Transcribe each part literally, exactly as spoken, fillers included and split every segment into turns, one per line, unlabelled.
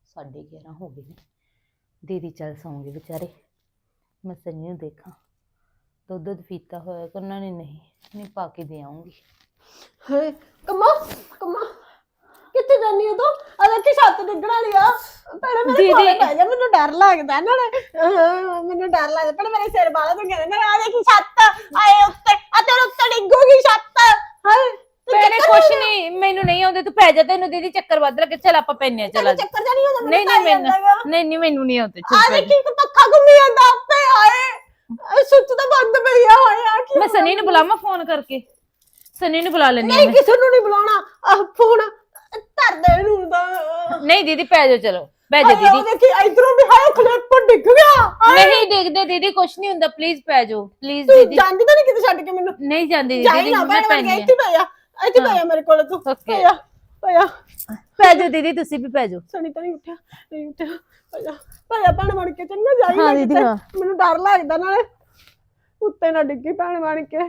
साढ़े ग्यारह हो गए ने। दीदी चल सौंगे बेचारे। मैं सनी नूं देखा दुध दुध पीता होया करना ने नहीं नहीं पा के दे आऊंगी।
हाय कम्मा कम्मा किथे जानी हो तू? आ देखी छत डिगण वाली आ। भैणे मेरे
दीदी-
कोले पै जा, मैनू डर लगदा नाले मैनू डर लगदा। भैणे मेरे सिर वाला तो कहंदे ने आ देखी छत आए उत्ते आ तेरे उत्ते डिगूगी छत। हाय
मैंने कुछ नहीं मैनू नहीं आउंदे तू पै जा तेनू दीदी चक्कर वध लगे चल आपां पैने चला जा।
चक्कर जानी होंदा
नहीं नहीं मैनू नहीं नहीं मैनू नहीं आउंदे
आ
चुप
देखी एक पक्का घुम्मी जांदा उत्ते। हाय सुੱਚ ਤਾਂ ਬੰਦ ਪਈ ਆ। ਹਾਏ ਆ ਕੀ
मैं सनी नूं बुलावां फोन करके सनी नूं बुला लेनी
नहीं किसी ਨੂੰ ਨਹੀਂ ਬੁਲਾਉਣਾ। ਆ ਫੋਨ ਧਰ ਦੇ ਨੂੰ ਦਾ।
नहीं दीदी पै जाओ चलो पै जा
ਹਾਏ
दीदी।
ਉਹ ਦੇਖੀ ਇਧਰੋਂ ਵੀ ਹਾਏ ਖਲੇਟ ਪਰ ਡਿੱਗ ਗਿਆ। ਹਾਏ
नहीं डिगदे दीदी कुछ नहीं हुंदा प्लीज पै जाओ प्लीज
ਤੂੰ
दीदी।
ਜਾਂਦੀ ਤਾਂ ਨਹੀਂ ਕਿਤੇ ਛੱਡ ਕੇ ਮੈਨੂੰ?
नहीं जांदी
ਜਾਈ
दीदी
ਨਾ
मैं
ਭੈਣ
पैनी
ਇੱਥੇ ਪਈ ਆ ਇੱਥੇ ਪਈ ਆ ਮੇਰੇ ਕੋਲ ਤੂੰ।
Okay.
ਪਈ ਆ ਪਈ ਆ
पै जाओ दीदी तुसी भी पै जाओ।
ਸਣੀ ਤਾਂ ਨਹੀਂ ਉੱਠਿਆ ਨਹੀਂ ਉੱਠਿਆ। ਪਈ ਆ ਪਈ ਆ ਭੈਣ ਬਣ ਕੇ ਚੰਗਾ ਜਾਈ
ਹਾਂ
ਨਾ
ਦੀਦੀ,
ਕਿਤੇ।
ਹਾਂ।
ਮੈਨੂੰ ਡਰ ਲੱਗਦਾ ਨਾਲੇ ਉੱਤੇ ਨਾ ਡਿੱਗੀ ਭੈਣ ਬਣ ਕੇ।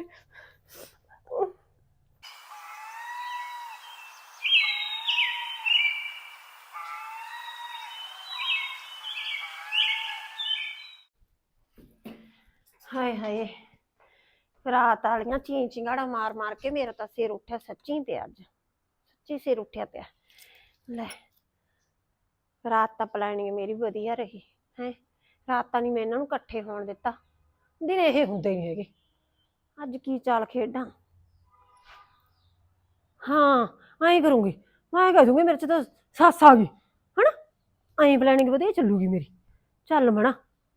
ਹਾਏ ਹਾਏ ਰਾਤ ਵਾਲੀਆਂ ਚੀਂ ਚਿੰਗਾੜਾ ਮਾਰ ਮਾਰ ਕੇ ਮੇਰਾ ਤਾਂ ਸਿਰ ਉੱਠਿਆ ਸੱਚੀ ਪਿਆ। ਅੱਜ ਸੱਚੀ ਸਿਰ ਉੱਠਿਆ ਪਿਆ। ਲੈ ਰਾਤ ਤਾਂ ਪਲੈਨਿੰਗ ਮੇਰੀ ਵਧੀਆ ਰਹੀ ਹੈ। ਰਾਤ ਤਾਂ ਨਹੀਂ ਮੈਂ ਇਹਨਾਂ ਨੂੰ ਇਕੱਠੇ ਹੋਣ ਦਿੱਤਾ। ਦਿਨ ਇਹ ਹੁੰਦੇ ਨਹੀਂ ਹੈਗੇ। ਅੱਜ ਕੀ ਚਾਲ ਖੇਡਾਂ? ਹਾਂ ਐਂ ਕਰੂੰਗੀ ਮੈਂ ਕਹਿ ਦੂੰਗੀ ਮੇਰੇ ਚ ਤਾਂ ਸੱਸ ਆ ਗਈ ਹਨਾ। ਐਂ ਪਲੈਨਿੰਗ ਵਧੀਆ ਚੱਲੂਗੀ ਮੇਰੀ। ਚੱਲ ਮਣਾ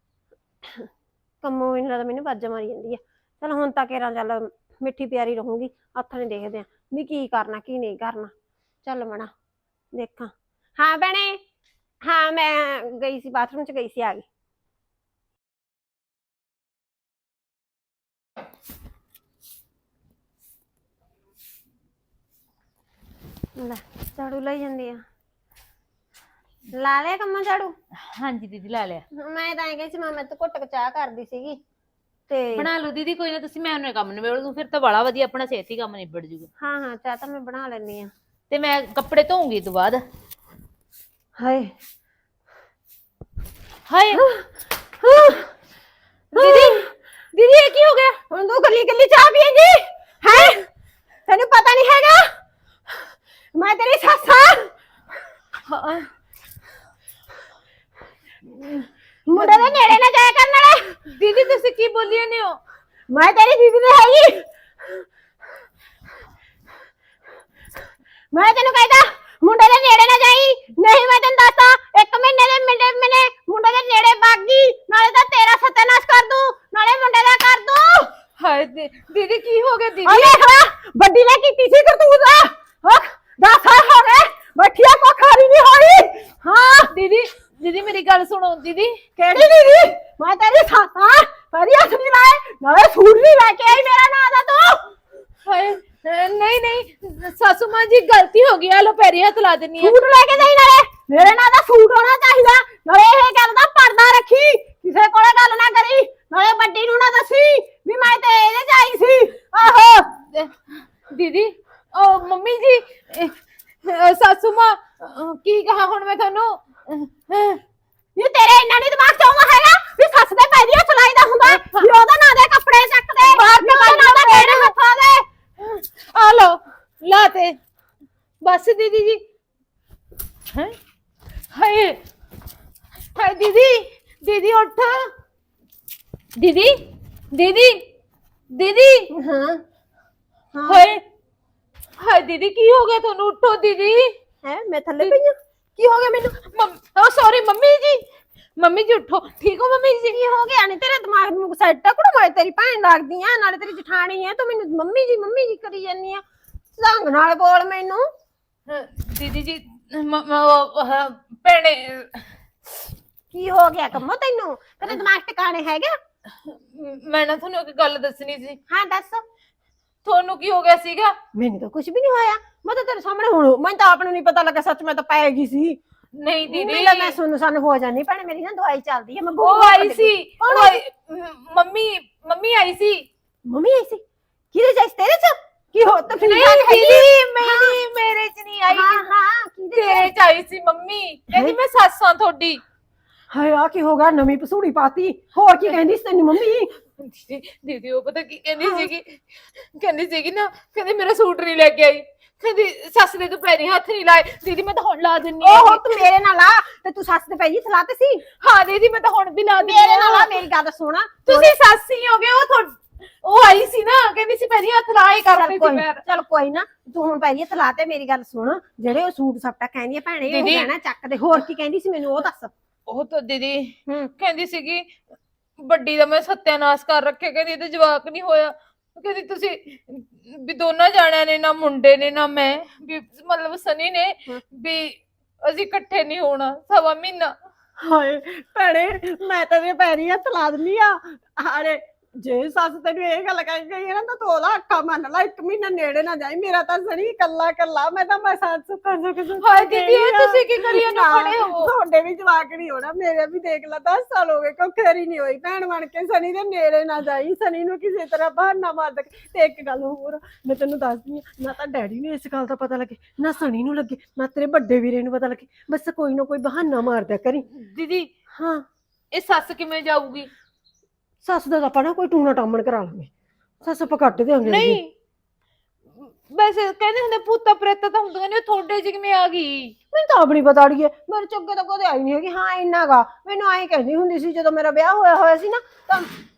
ਕੰਮੋਂ ਮੈਨੂੰ ਲੱਗਦਾ ਮੈਨੂੰ ਵਾਜਾਂ ਮਾਰੀ ਜਾਂਦੀ ਆ। ਚਲ ਹੁਣ ਤਾਂ ਕੇਰਾਂ ਚੱਲ ਮਿੱਠੀ ਪਿਆਰੀ ਰਹੂੰਗੀ। ਹੱਥ ਨੇ ਦੇਖਦੇ ਆ ਵੀ ਕੀ ਕਰਨਾ ਕੀ ਨਹੀਂ ਕਰਨਾ। ਚੱਲ ਮਣਾ ਦੇਖਾਂ। ਹਾਂ ਭੈਣੇ ਹਾਂ ਮੈਂ ਗਈ ਸੀ ਬਾਥਰੂਮ ਚ ਗਈ ਸੀ ਆ ਗਈ। ਲੈ ਝਾੜੂ ਲਈ ਜਾਂਦੀ ਆ। ਲਾ ਲਿਆ ਕੰਮਾਂ ਝਾੜੂ?
हाँ जी दीदी ला लिया।
ਮੈਂ ਤਾਂ ਐਂ ਕਹੀ ਸੀ ਮੈਂ ਮੈਂ ਤਾਂ ਘੁੱਟ ਕੇ ਚਾਹ ਕਰਦੀ ਸੀਗੀ ਤੇ
बना लो दीदी कोई ना तुसी मैं उन्हें काम निबेड़ दूं फिर तो बड़ा वधिया अपना सेहती काम निबड़ जूगा।
ਹਾਂ ਹਾਂ ਚਾਹ ਤਾਂ ਮੈਂ ਬਣਾ ਲੈਣੀ ਆ।
ते मैं कपड़े धोऊंगी तो बाद।
ਹਾਏ
हाय दीदी दीदी ये की हो गया?
ਹੁਣ ਤੂੰ ਗੱਲੀ ਗੱਲੀ ਚਾਹ ਪੀਏਂਗੀ ਹੈ? ਤੈਨੂੰ ਪਤਾ ਨਹੀਂ ਹੈਗਾ ਮੈਂ ਤੇਰੀ ਸੱਸ ਆ।
हाँ,
ਮੁੰਡੇ ਦੇ ਨੇੜੇ ਨਾ ਜਾਇਆ ਕਰਨ ਵਾਲੇ।
दीदी तुसी की बोली ने हो?
ਮੈਂ ਤੇਰੀ ਦੀਦੀ ਨਹੀਂ ਹੈਗੀ। ਮੈਂ ਤੈਨੂੰ ਕਹਿੰਦਾ ਮੁੰਡੇ ਦੇ ਨੇੜੇ ਨਾ ਜਾਈ। ਨਹੀਂ ਮੈਂ ਤੈਨੂੰ ਦੱਸਦਾ ਇੱਕ ਮਹੀਨੇ ਦੇ ਮਿੰਡੇ ਮੈਨੇ ਮੁੰਡੇ ਦੇ ਨੇੜੇ ਬਾਗੀ ਨਾਲੇ ਤਾਂ ਤੇਰਾ ਸਤਿਆਨਾਸ਼ ਕਰ ਦੂੰ ਨਾਲੇ ਮੁੰਡੇ ਦਾ ਕਰ ਦੂੰ।
हाय दी, दीदी की हो गया
ਆ
दीदी?
ਦੇਖ ਲੈ ਵੱਡੀ ਨੇ ਕੀਤੀ ਸੀ ਕਰਤੂਤ। ਹਾਂ ਦਸ ਸਾਲ ਹੋ ਗਏ ਬੱਠੀਆ ਕੋ ਖਾਰੀ ਨਹੀਂ ਹੋਈ। ਹਾਂ
दीदी दीदी मेरी गल सुनो दीदी।
ਕਿਹੜੀ ਦੀਦੀ? ਮੈਂ ਤੇਰੀ ਸੱਸ ਆ। ਪਰੀ ਹੱਥ ਨਹੀਂ ਲਾਏ ਨਾਲੇ ਸੂਟ ਨਹੀਂ ਲੈ ਕੇ ਆਈ ਮੇਰਾ ਨਾਂ ਦਾ ਤੂੰ।
हाय नहीं नहीं सासू मां जी गलती हो गई लो पैरी हाथ ला देनी है।
ਸੂਟ ਲੈ ਕੇ ਦੇਈ ਨਾਲੇ ਮੇਰੇ ਨਾਂ ਦਾ ਸੂਟ ਹੋਣਾ ਚਾਹੀਦਾ। ਨਾਲੇ ਇਹ ਗੱਲ ਦਾ ਪਰਦਾ ਰੱਖੀ ਕਿਸੇ ਕੋਲੇ ਗੱਲ ਨਾ ਕਰੀ। ਨਾਲੇ ਵੱਡੀ ਨੂੰ ਨਾ ਦੱਸੀ ਵੀ ਮੈਂ ਤੇ ਇਹਦੇ ਚ ਆਈ ਸੀ। ਆਹੋ
दीदी ओ मम्मी जी ए, अ, सासू मां अ, की कहा हुण मैं थानू
ਇਹ ਤੇਰੇ ਇੰਨਾ ਨਹੀਂ ਦਿਮਾਗ ਚਾਉਂਦਾ ਹੈਗਾ ਵੀ ਸੱਸ ਦੇ ਪੈਰੀ ਹੱਥ ਲਾਈਦਾ ਹੁੰਦਾ ਵੀ ਉਹਦਾ ਨਾਂ ਦੇ ਕੱਪੜੇ ਚੱਕਦੇ ਬਾਹਰ ਨਿਕਲ ਨਾਂ ਦਾ ਕਿਹੜੇ ਹੱਥਾਂ ਦੇ।
आ लो लाते बस दीदी जी। हैं हाय हाय दीदी दीदी उठ दीदी दीदी दीदी
ਹਾਂ
हाय हाय दीदी की हो गया थानू उठो दीदी।
ਹੈ ਮੈਂ ਥੱਲੇ ਪਈ ਆ ਕੀ ਹੋ ਗਿਆ ਮੈਨੂੰ?
ओ sorry mummy ji mummy ji उठो ठीक हो मम्मी जी?
ਕੀ ਹੋ ਗਿਆ? ਨਹੀਂ ਤੇਰੇ ਦਿਮਾਗ ਨੂੰ ਸਾਈਡ ਟੱਕ ਨੂੰ ਮੈਂ ਤੇਰੀ ਭੈਣ ਲੱਗਦੀ ਆ ਨਾਲੇ ਤੇਰੀ ਜਠਾਣੀ ਆ ਤੂੰ ਮੈਨੂੰ ਮੰਮੀ ਜੀ ਮੰਮੀ ਜੀ ਕਰੀ ਜਾਂਦੀ ਆ। ਢੰਗ ਨਾਲ ਬੋਲ ਮੈਨੂੰ।
दीदी जी ਭੈਣੇ
ਕੀ ਹੋ ਗਿਆ ਕੰਮੋ ਤੈਨੂੰ? ਤੇਰੇ ਦਿਮਾਗ ਟਿਕਾਣੇ ਹੈਗਾ?
ਮੈਂ ਨਾ ਤੁਹਾਨੂੰ ਇੱਕ ਗੱਲ ਦੱਸਣੀ ਸੀ।
ਹਾਂ ਦੱਸ।
ਤੁਹਾਨੂੰ ਕੀ ਹੋ ਗਿਆ ਸੀਗਾ?
ਮੈਨੂੰ ਤਾਂ ਕੁਝ ਵੀ ਨਹੀਂ ਹੋਇਆ। ਮੈਂ ਤਾਂ ਤੇਰੇ ਸਾਹਮਣੇ ਹੁਣ ਮੈਨੂੰ ਤਾਂ ਆਪ ਨੂੰ ਨਹੀਂ ਪਤਾ ਲੱਗਾ ਸੱਚ ਮੈਂ ਤਾਂ ਪੈ ਗਈ ਸੀ।
ਨਹੀਂ ਦੀਦੀ
ਨਹੀਂ ਮੈਂ ਸੁਣ ਸੁਣ ਹੋ ਜਾਨੀ ਭੈਣੇ ਮੇਰੀ ਨਾ ਦਵਾਈ ਚੱਲਦੀ ਆ। ਮੈਂ
ਉਹ ਆਈ ਸੀ ਉਹ ਆਈ- ਮੰਮੀ ਮੰਮੀ ਆਈ ਸੀ।
ਮੰਮੀ ਆਈ ਸੀ? ਕਿਹਦੇ ਚ? ਤੇਰੇ ਚ? ਕੀ ਹੋ ਤਾਂ
ਨਹੀਂ ਦੀਦੀ ਮੇਰੀ ਮੇਰੇ ਚ ਨਹੀਂ ਆਈ।
ਹਾਂ ਹਾਂ
ਤੇਰੇ ਚ
ਆਈ ਸੀ ਮੰਮੀ, ਕਹਿੰਦੀ ਮੈਂ ਸੱਸ ਆਂ ਤੁਹਾਡੀ।
ਹਾਏ ਆ ਕੀ ਹੋ ਗਿਆ, ਨਵੀਂ ਪਸੂੜੀ ਪਾਤੀ। ਹੋਰ ਕੀ ਕਹਿੰਦੀ ਸੀ ਤੈਨੂੰ ਮੰਮੀ?
ਦੀਦੀ ਦੀਦੀ ਉਹ ਪਤਾ ਕੀ ਕਹਿੰਦੀ ਸੀਗੀ, ਕਹਿੰਦੀ ਸੀਗੀ ਨਾ, ਕਹਿੰਦੀ ਮੇਰਾ ਸੂਟ ਨਹੀਂ ਲੈ ਕੇ ਆਈ, ਕਹਿੰਦੀ ਸੱਸ ਦੇ ਤੂੰ ਪੈਰੀ ਹੱਥ ਨਹੀਂ ਲਾਏ। ਦੀਦੀ ਮੈਂ ਤਾਂ ਹੁਣ ਲਾ ਦਿੰਨੀ ਆ।
ਓਹੋ ਤੂੰ ਮੇਰੇ ਨਾਲ ਆ ਤੇ ਤੂੰ ਸੱਸ ਦੇ ਪੈਰੀ ਥਲਾ ਤੇ ਸੀ।
ਹਾਂ ਦੀਦੀ ਮੈਂ ਤਾਂ ਹੁਣ ਵੀ ਲਾ ਦਿੰਨੀ
ਮੇਰੇ ਨਾਲ ਆ,
ਆ।
ਮੇਰੀ ਗੱਲ ਸੁਣ।
ਤੁਸੀਂ ਸੱਸ ਹੀ ਹੋਗੇ, ਉਹ ਤੁਹਾਡ ਉਹ ਆਈ ਸੀ ਨਾ, ਕਹਿੰਦੀ ਸੀ ਪੈਰੀ ਹੱਥ ਲਾਏ ਕਰਦੇ ਸੀ ਪੈਰ।
ਚਲ ਕੋਈ ਨਾ, ਤੂੰ ਹੁਣ ਪੈਰੀ ਥਲਾ ਤੇ ਮੇਰੀ ਗੱਲ ਸੁਣ। ਜਿਹੜੇ ਉਹ ਸੂਟ ਸਪਟਾ ਕਹਿੰਦੀ ਆ ਭੈਣੇ, ਉਹ
ਦੀਦੀ-
ਕਹਿਣਾ ਚੱਕ ਦੇ। ਹੋਰ ਕੀ ਕਹਿੰਦੀ ਸੀ ਮੈਨੂੰ ਉਹ ਦੱਸ।
ਉਹ ਤਾਂ ਦੀਦੀ
ਹੂੰ
ਕਹਿੰਦੀ ਸੀਗੀ ਵੱਡੀ ਦਾ ਮੈਂ ਸੱਤਿਆਨਾਸ਼ ਕਰ ਰੱਖਿਆ, ਕਹਿੰਦੀ ਇਹਦੇ ਜਵਾਕ ਨਹੀਂ ਹੋਇਆ, ਕਹਿੰਦੀ ਤੁਸੀਂ ਵੀ ਦੋਨਾਂ ਜਾਣਿਆਂ ਨੇ, ਨਾ ਮੁੰਡੇ ਨੇ ਨਾ ਮੈਂ, ਵੀ ਮਤਲਬ ਸਨੀ ਨੇ, ਵੀ ਅਸੀਂ ਇਕੱਠੇ ਨਹੀਂ ਹੋਣਾ ਸਵਾ ਮਹੀਨਾ।
ਹਾਏ ਭੈਣੇ, ਮੈਂ ਤੇਰੇ ਪੈਰੀ ਹੱਥ ਲਾ ਦਿੰਦੀ ਆ। ਹਾਏ ਜੇ ਸੱਸ ਤੈਨੂੰ ਇਹ ਗੱਲ ਕਹਿ ਗਈ ਹੈ ਨਾ, ਤਾਂ ਤੂੰ ਉਹਦਾ ਅੱਖਾਂ ਮੰਨ ਲਾ, ਇੱਕ ਮਹੀਨਾ ਨੇੜੇ ਨਾ ਜਾਈ। ਮੇਰਾ ਤਾਂ ਸਣੀ ਕੱਲਾ ਕੱਲਾ, ਮੈਂ ਤਾਂ ਮੈਂ ਸੱਸ ਕਰ ਸਕਦੀ।
ਹਾਏ ਦੀਦੀ ਇਹ ਤੁਸੀਂ ਕੀ ਕਰੀ ਜਾਂਦੇ ਹੋ? ਖੜੇ ਹੋ।
ਤੁਹਾਡੇ ਵੀ ਜਵਾਕ ਨਹੀਂ ਹੋਣਾ, ਮੇਰੇ ਵੀ ਦੇਖ ਲਾ ਦਸ ਸਾਲ ਹੋ ਗਏ, ਕੋਈ ਖੈਰੀ ਨਹੀਂ ਹੋਈ। ਭੈਣ ਬਣ ਕੇ ਸਣੀ ਦੇ ਨੇੜੇ ਨਾ ਜਾਈ, ਸਣੀ ਨੂੰ ਕਿਸੇ ਤਰ੍ਹਾਂ ਬਹਾਨਾ ਮਾਰ ਦੇ। ਤੇ ਇੱਕ ਗੱਲ ਹੋਰ ਮੈਂ ਤੈਨੂੰ ਦੱਸਦੀ ਆ, ਨਾ ਤਾਂ ਡੈਡੀ ਨੂੰ ਇਸ ਗੱਲ ਦਾ ਪਤਾ ਲੱਗੇ, ਨਾ ਸਣੀ ਨੂੰ ਲੱਗੇ, ਨਾ ਤੇਰੇ ਵੱਡੇ ਵੀਰੇ ਨੂੰ ਪਤਾ ਲੱਗੇ। ਬਸ ਕੋਈ ਨਾ ਕੋਈ ਬਹਾਨਾ ਮਾਰ ਦਿਆ ਕਰੀ।
ਦੀਦੀ
ਹਾਂ
ਇਹ ਸੱਸ ਕਿਵੇਂ ਜਾਊਗੀ?
ਸੱਸ ਦਾ ਤਾਂ ਆਪਾਂ ਨਾ ਕੋਈ ਟੂਣਾ ਟਾਮਣ ਕਰਾ ਲਾਂਗੇ, ਸੱਸ ਆਪਾਂ ਕੱਟ ਦਿਆਂਗੇ।
ਨਹੀਂ ਵੈਸੇ ਕਹਿੰਦੇ ਹੁੰਦੇ ਭੂਤਾਂ ਪ੍ਰੇਤਾਂ ਤਾਂ ਹੁੰਦੀਆਂ ਨੇ, ਉਹ ਤੁਹਾਡੇ ਚ ਕਿਵੇਂ ਆ ਗਈ?
ਮੈਨੂੰ ਤਾਂ ਆਪ ਨੀ ਪਤਾ ਅੜੀਏ, ਮੇਰੇ ਚੁੱਕੇ ਤਾਂ ਕਦੇ ਆਈ ਨਹੀਂ ਹੈਗੀ। ਹਾਂ ਇੰਨਾ ਗਾ ਮੈਨੂੰ ਐਂ ਕਹਿੰਦੀ ਹੁੰਦੀ ਸੀ ਜਦੋਂ ਮੇਰਾ ਵਿਆਹ ਹੋਇਆ ਹੋਇਆ ਸੀ ਨਾ, ਤਾਂ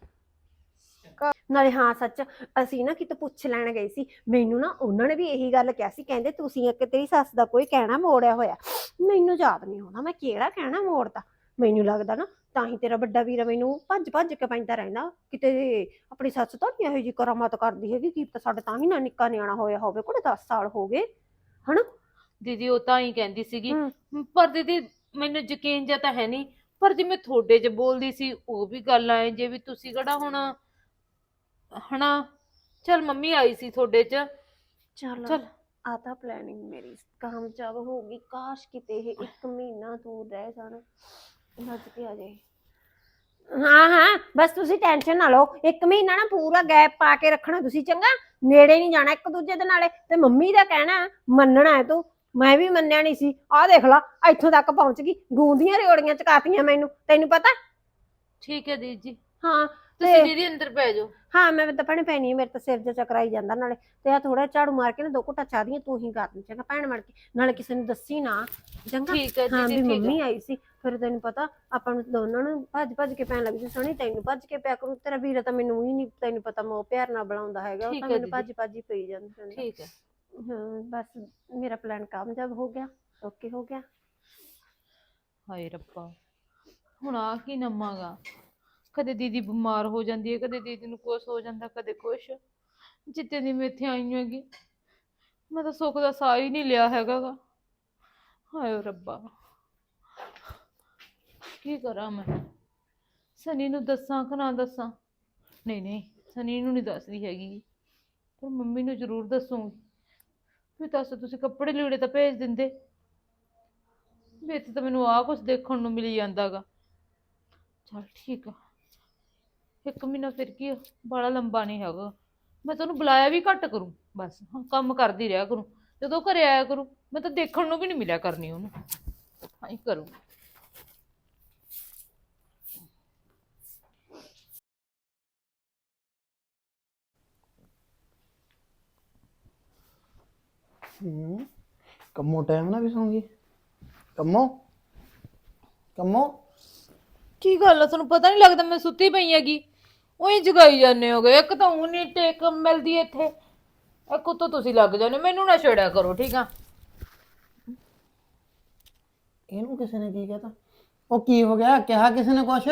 ਨਾਲੇ ਹਾਂ ਸੱਚ, ਅਸੀਂ ਨਾ ਕਿਤੇ ਪੁੱਛ ਲੈਣ ਗਏ ਸੀ, ਮੈਨੂੰ ਨਾ ਉਹਨਾਂ ਨੇ ਵੀ ਇਹੀ ਗੱਲ ਕਿਹਾ ਸੀ, ਕਹਿੰਦੇ ਤੁਸੀਂ ਇੱਕ ਤੇਰੀ ਸੱਸ ਦਾ ਕੋਈ ਕਹਿਣਾ ਮੋੜਿਆ ਹੋਇਆ। ਮੈਨੂੰ ਯਾਦ ਨਹੀਂ ਹੋਣਾ ਮੈਂ ਕਿਹੜਾ ਕਹਿਣਾ ਮੋੜਦਾ। ਮੈਨੂੰ ਲੱਗਦਾ ਨਾ ਤਾਂ ਹੀ ਤੇਰਾ ਵੱਡਾ ਵੀਰ ਮੈਨੂੰ ਭੱਜ ਭੱਜ ਕੇ ਪੈਂਦਾ ਰਹਿੰਦਾ, ਕਿਤੇ ਆਪਣੀ ਸੱਸ ਤਾਂ ਨਹੀਂ ਇਹੋ ਜਿਹੀ ਕਰਾਮਾਤ ਕਰਦੀ ਹੈਗੀ। ਕੀ ਪਤਾ ਸਾਡੇ ਤਾਂ ਹੀ ਨਾ ਨਿੱਕਾ ਨਿਆਣਾ ਹੋਇਆ ਹੋਵੇ, ਕੋਲੇ ਦਸ ਸਾਲ ਹੋ ਗਏ ਹਨਾ।
ਦੀਦੀ ਉਹ ਤਾਂ ਹੀ ਕਹਿੰਦੀ ਸੀਗੀ, ਪਰ ਦੀਦੀ ਮੈਨੂੰ ਯਕੀਨ ਜਿਹਾ ਤਾਂ ਹੈ ਨਹੀਂ, ਪਰ ਜਿਵੇਂ ਤੁਹਾਡੇ ਚ ਬੋਲਦੀ ਸੀ ਉਹ ਵੀ ਗੱਲ ਆਏ ਜੇ ਵੀ ਤੁਸੀਂ ਕਿਹੜਾ ਹੁਣ ਹਨਾ। ਚਲ ਮੰਮੀ ਆਈ ਸੀ ਤੁਹਾਡੇ ਚ,
ਚੱਲ
ਚਲ
ਆ ਤਾਂ ਪਲੈਨਿੰਗ ਮੇਰੀ ਕਾਮਯਾਬ ਹੋ ਗਈ। ਕਾਸ਼ ਕਿਤੇ ਇਹ ਇੱਕ ਮਹੀਨਾ ਦੂਰ ਰਹਿ ਜਾਣਾ, ਨੱਜ ਕੇ ਆ ਜਾਏ। ਹਾਂ ਹਾਂ ਬਸ ਤੁਸੀਂ ਟੈਨਸ਼ਨ ਨਾ ਲਓ, ਇੱਕ ਮਹੀਨਾ ਨਾ ਪੂਰਾ ਗੈਪ ਪਾ ਕੇ ਰੱਖਣਾ ਤੁਸੀਂ, ਚੰਗਾ। ਨੇੜੇ ਨਹੀਂ ਜਾਣਾ ਇੱਕ ਦੂਜੇ ਦੇ ਨਾਲੇ। ਤੇ ਮੰਮੀ ਦਾ ਕਹਿਣਾ ਮੰਨਣਾ ਹੈ ਤੂੰ, ਮੈਂ ਵੀ ਮੰਨਿਆ ਨਹੀਂ ਸੀ। ਆਹ ਦੇਖ ਲਾ ਇੱਥੋਂ ਤੱਕ ਪਹੁੰਚ ਗਈ, ਗੂੰਦੀਆਂ ਰਿਓੜੀਆਂ ਚਕਾਤੀਆਂ ਮੈਨੂੰ, ਤੈਨੂੰ ਪਤਾ।
ਠੀਕ ਹੈ ਦੀਦੀ ਜੀ,
ਹਾਂ
ਤੁਸੀਂ ਦੀਦੀ ਅੰਦਰ ਪੈ ਜਾਓ।
ਹਾਂ ਮੈਂ ਤਾਂ ਭੈਣੇ ਪੈਣੀ ਆ, ਮੇਰੇ ਤਾਂ ਸਿਰ ਜਿਹਾ ਚਕਰਾਈ ਜਾਂਦਾ। ਨਾਲੇ ਤੇ ਆ ਥੋੜਾ ਝਾੜੂ ਮਾਰ ਕੇ ਨਾ ਦੋ ਘੁੱਟਾ ਚਾਹ ਦੀਆਂ ਤੂੰ ਹੀ ਕਰ ਦੇ, ਚੰਗਾ ਭੈਣ ਬਣ ਕੇ। ਨਾਲੇ ਕਿਸੇ ਨੂੰ ਦੱਸੀ ਨਾ, ਚੰਗਾ।
ਠੀਕ ਹੈ
ਹਾਂ
ਦੀਦੀ
ਵੀ
ਠੀਕ
ਮੰਮੀ
ਹੈ।
ਆਈ ਸੀ, ਫਿਰ ਤੈਨੂੰ ਪਤਾ ਆਪਾਂ ਨੂੰ ਦੋਨਾਂ ਨੂੰ ਭੱਜ ਭੱਜ ਕੇ ਪੈਣ ਲੱਗ ਜੂ। ਸਣੀ ਤੈਨੂੰ ਭੱਜ ਕੇ ਪਿਆ ਕਰੂ, ਤੇਰਾ ਵੀਰ ਤਾਂ ਮੈਨੂੰ ਹੀ ਨਹੀਂ, ਤੈਨੂੰ ਪਤਾ ਮੋਹ ਪਿਆਰ ਨਾਲ ਬੁਲਾਉਂਦਾ ਹੈਗਾ, ਉਹ
ਠੀਕ
ਤਾਂ
ਹੈ
ਮੈਨੂੰ ਭੱਜ ਭੱਜ ਹੀ ਪਈ ਜਾਂਦਾ।
ਠੀਕ ਹੈ।
ਹਾਂ ਬਸ ਮੇਰਾ ਪਲਾਨ ਕਾਮਯਾਬ ਹੋ ਗਿਆ, ਓਕੇ ਹੋ ਗਿਆ।
ਹਾਏ ਰੱਬਾ ਹੁਣ ਆ ਕੀ ਨਵਾਂਗਾ, ਕਦੇ ਦੀਦੀ ਬਿਮਾਰ ਹੋ ਜਾਂਦੀ ਹੈ, ਕਦੇ ਦੀਦੀ ਨੂੰ ਕੁਛ ਹੋ ਜਾਂਦਾ, ਕਦੇ ਕੁਛ। ਜਿੱਤੇ ਦੀ ਮੈਂ ਇੱਥੇ ਆਈ ਹੈਗੀ ਮੈਂ ਤਾਂ ਸੁੱਖ ਦਾ ਸਾਹ ਹੀ ਨਹੀਂ ਲਿਆ ਹੈਗਾ ਗਾ। ਹਾਏ ਰੱਬਾ ਕੀ ਕਰਾਂ ਮੈਂ, ਸਨੀ ਨੂੰ ਦੱਸਾਂ ਕਿ ਨਾ ਦੱਸਾਂ? ਨਹੀਂ ਨਹੀਂ ਸਨੀ ਨੂੰ ਨਹੀਂ ਦੱਸਦੀ ਹੈਗੀ, ਪਰ ਮੰਮੀ ਨੂੰ ਜ਼ਰੂਰ ਦੱਸੂਗੀ। ਵੀ ਦੱਸ ਤੁਸੀਂ ਕੱਪੜੇ ਲੀੜੇ ਤਾਂ ਭੇਜ ਦਿੰਦੇ, ਵੀ ਇੱਥੇ ਤਾਂ ਮੈਨੂੰ ਆਹ ਕੁਛ ਦੇਖਣ ਨੂੰ ਮਿਲੀ ਜਾਂਦਾ ਗਾ। ਚਲ ਠੀਕ ਆ, ਇੱਕ ਮਹੀਨਾ ਫਿਰ ਕੀ ਬੜਾ ਲੰਬਾ ਨਹੀਂ ਹੈਗਾ। ਮੈਂ ਤੁਹਾਨੂੰ ਬੁਲਾਇਆ ਵੀ ਘੱਟ ਕਰੂੰ, ਬਸ ਹਾਂ ਕੰਮ ਕਰਦੀ ਰਿਹਾ ਕਰੂੰ। ਜਦੋਂ ਘਰੇ ਆਇਆ ਕਰੂ ਮੈਂ ਤਾਂ ਦੇਖਣ ਨੂੰ ਵੀ ਨਹੀਂ ਮਿਲਿਆ ਕਰਨੀ ਉਹਨੂੰ, ਹਾਂ ਹੀ ਕਰੂੰ।
ਹੂੰ ਕੰਮੋ ਟਾਈਮ ਨਾ ਵੀ ਸੌਂਗੀ। ਕੰਮੋ ਕੰਮੋ
ਕੀ ਗੱਲ ਆ, ਤੁਹਾਨੂੰ ਪਤਾ ਨਹੀਂ ਲੱਗਦਾ ਮੈਂ ਸੁੱਤੀ ਪਈ ਹੈਗੀ? ਉਹੀ ਜਗਾਈ ਜਾਂਦੇ ਹੋਗੇ, ਇੱਕ ਤਾਂ ਉਹ ਨਹੀਂ ਟੇਕ ਮਿਲਦੀ ਇੱਥੇ, ਇੱਕ ਉੱਤੋਂ ਤੁਸੀਂ ਲੱਗ ਜਾਂਦੇ। ਮੈਨੂੰ ਨਾ ਛੇੜਿਆ ਕਰੋ ਠੀਕ ਆ।
ਇਹਨੂੰ ਕਿਸੇ ਨੇ ਕੀ ਕਹਤਾ? ਉਹ ਕੀ ਹੋ ਗਿਆ, ਕਿਹਾ ਕਿਸੇ ਨੇ ਕੁਛ?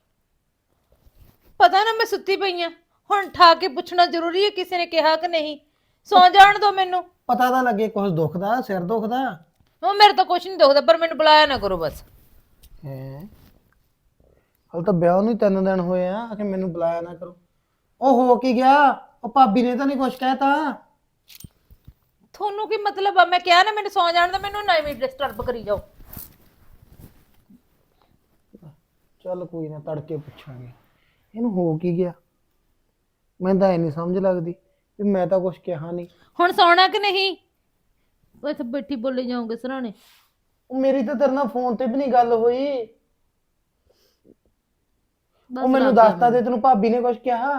ਪਤਾ ਨਾ ਮੈਂ ਸੁੱਤੀ ਪਈ ਆ, ਹੁਣ ਠਾ ਕੇ ਪੁੱਛਣਾ ਜ਼ਰੂਰੀ ਹੈ ਕਿਸੇ ਨੇ ਕਿਹਾ ਕਿ ਨਹੀਂ? ਸੌ ਜਾਣ ਦੋ ਮੈਨੂੰ,
ਪਤਾ ਤਾਂ ਲੱਗੇ ਕੁਛ ਦੁਖਦਾ, ਸਿਰ ਦੁਖਦਾ।
ਉਹ ਮੇਰੇ ਤਾਂ ਕੁਛ ਨਹੀਂ ਦੁਖਦਾ, ਪਰ ਮੈਨੂੰ ਬੁਲਾਇਆ ਨਾ ਕਰੋ ਬਸ।
ਹੈ ਹਲ ਤਾਂ ਵਿਆਹ ਨੂੰ ਹੀ ਤਿੰਨ ਦਿਨ ਹੋਏ ਆ ਕਿ ਮੈਨੂੰ ਬੁਲਾਇਆ ਨਾ ਕਰੋ। ਉਹ ਹੋ ਕੀ ਗਿਆ? ਉਹ ਭਾਬੀ ਨੇ ਤਾਂ ਨਹੀਂ ਕੁਛ ਕਹਿਤਾ?
ਤੁਹਾਨੂੰ ਕੀ ਮਤਲਬ ਆ? ਮੈਂ ਕਿਹਾ ਨਾ ਮੈਨੂੰ ਸੌ ਜਾਣ ਦਾ, ਮੈਨੂੰ ਨਾ ਵੀ ਡਿਸਟਰਬ ਕਰੀ ਜਾਓ।
ਚੱਲ ਕੋਈ ਨਾ, ਤੜਕੇ ਪੁੱਛਾਂਗੇ ਇਹਨੂੰ ਹੋ ਕੀ ਗਿਆ। ਮੈਨੂੰ ਤਾਂ ਇਹ ਨਹੀਂ ਸਮਝ ਲੱਗਦੀ ਵੀ ਮੈਂ ਤਾਂ ਕੁਛ ਕਿਹਾ ਨਹੀਂ।
ਹੁਣ ਸੌਣਾ ਕਿ ਨਹੀਂ? ਉਹ ਇੱਥੇ ਬੈਠੀ ਬੋਲੀ ਜਾਓਗੇ ਸਰਾਣੇ।
ਉਹ ਮੇਰੀ ਤਾਂ ਤੇਰੇ ਨਾਲ ਫੋਨ ਤੇ ਵੀ ਨਹੀਂ ਗੱਲ ਹੋਈ।
ਬਸ
ਉਹ ਮੈਨੂੰ
ਲੱਗ ਗਿਆ
ਦੱਸਤਾ ਦੇ ਤੈਨੂੰ ਭਾਬੀ ਨੇ ਕੁਝ ਕਿਹਾ?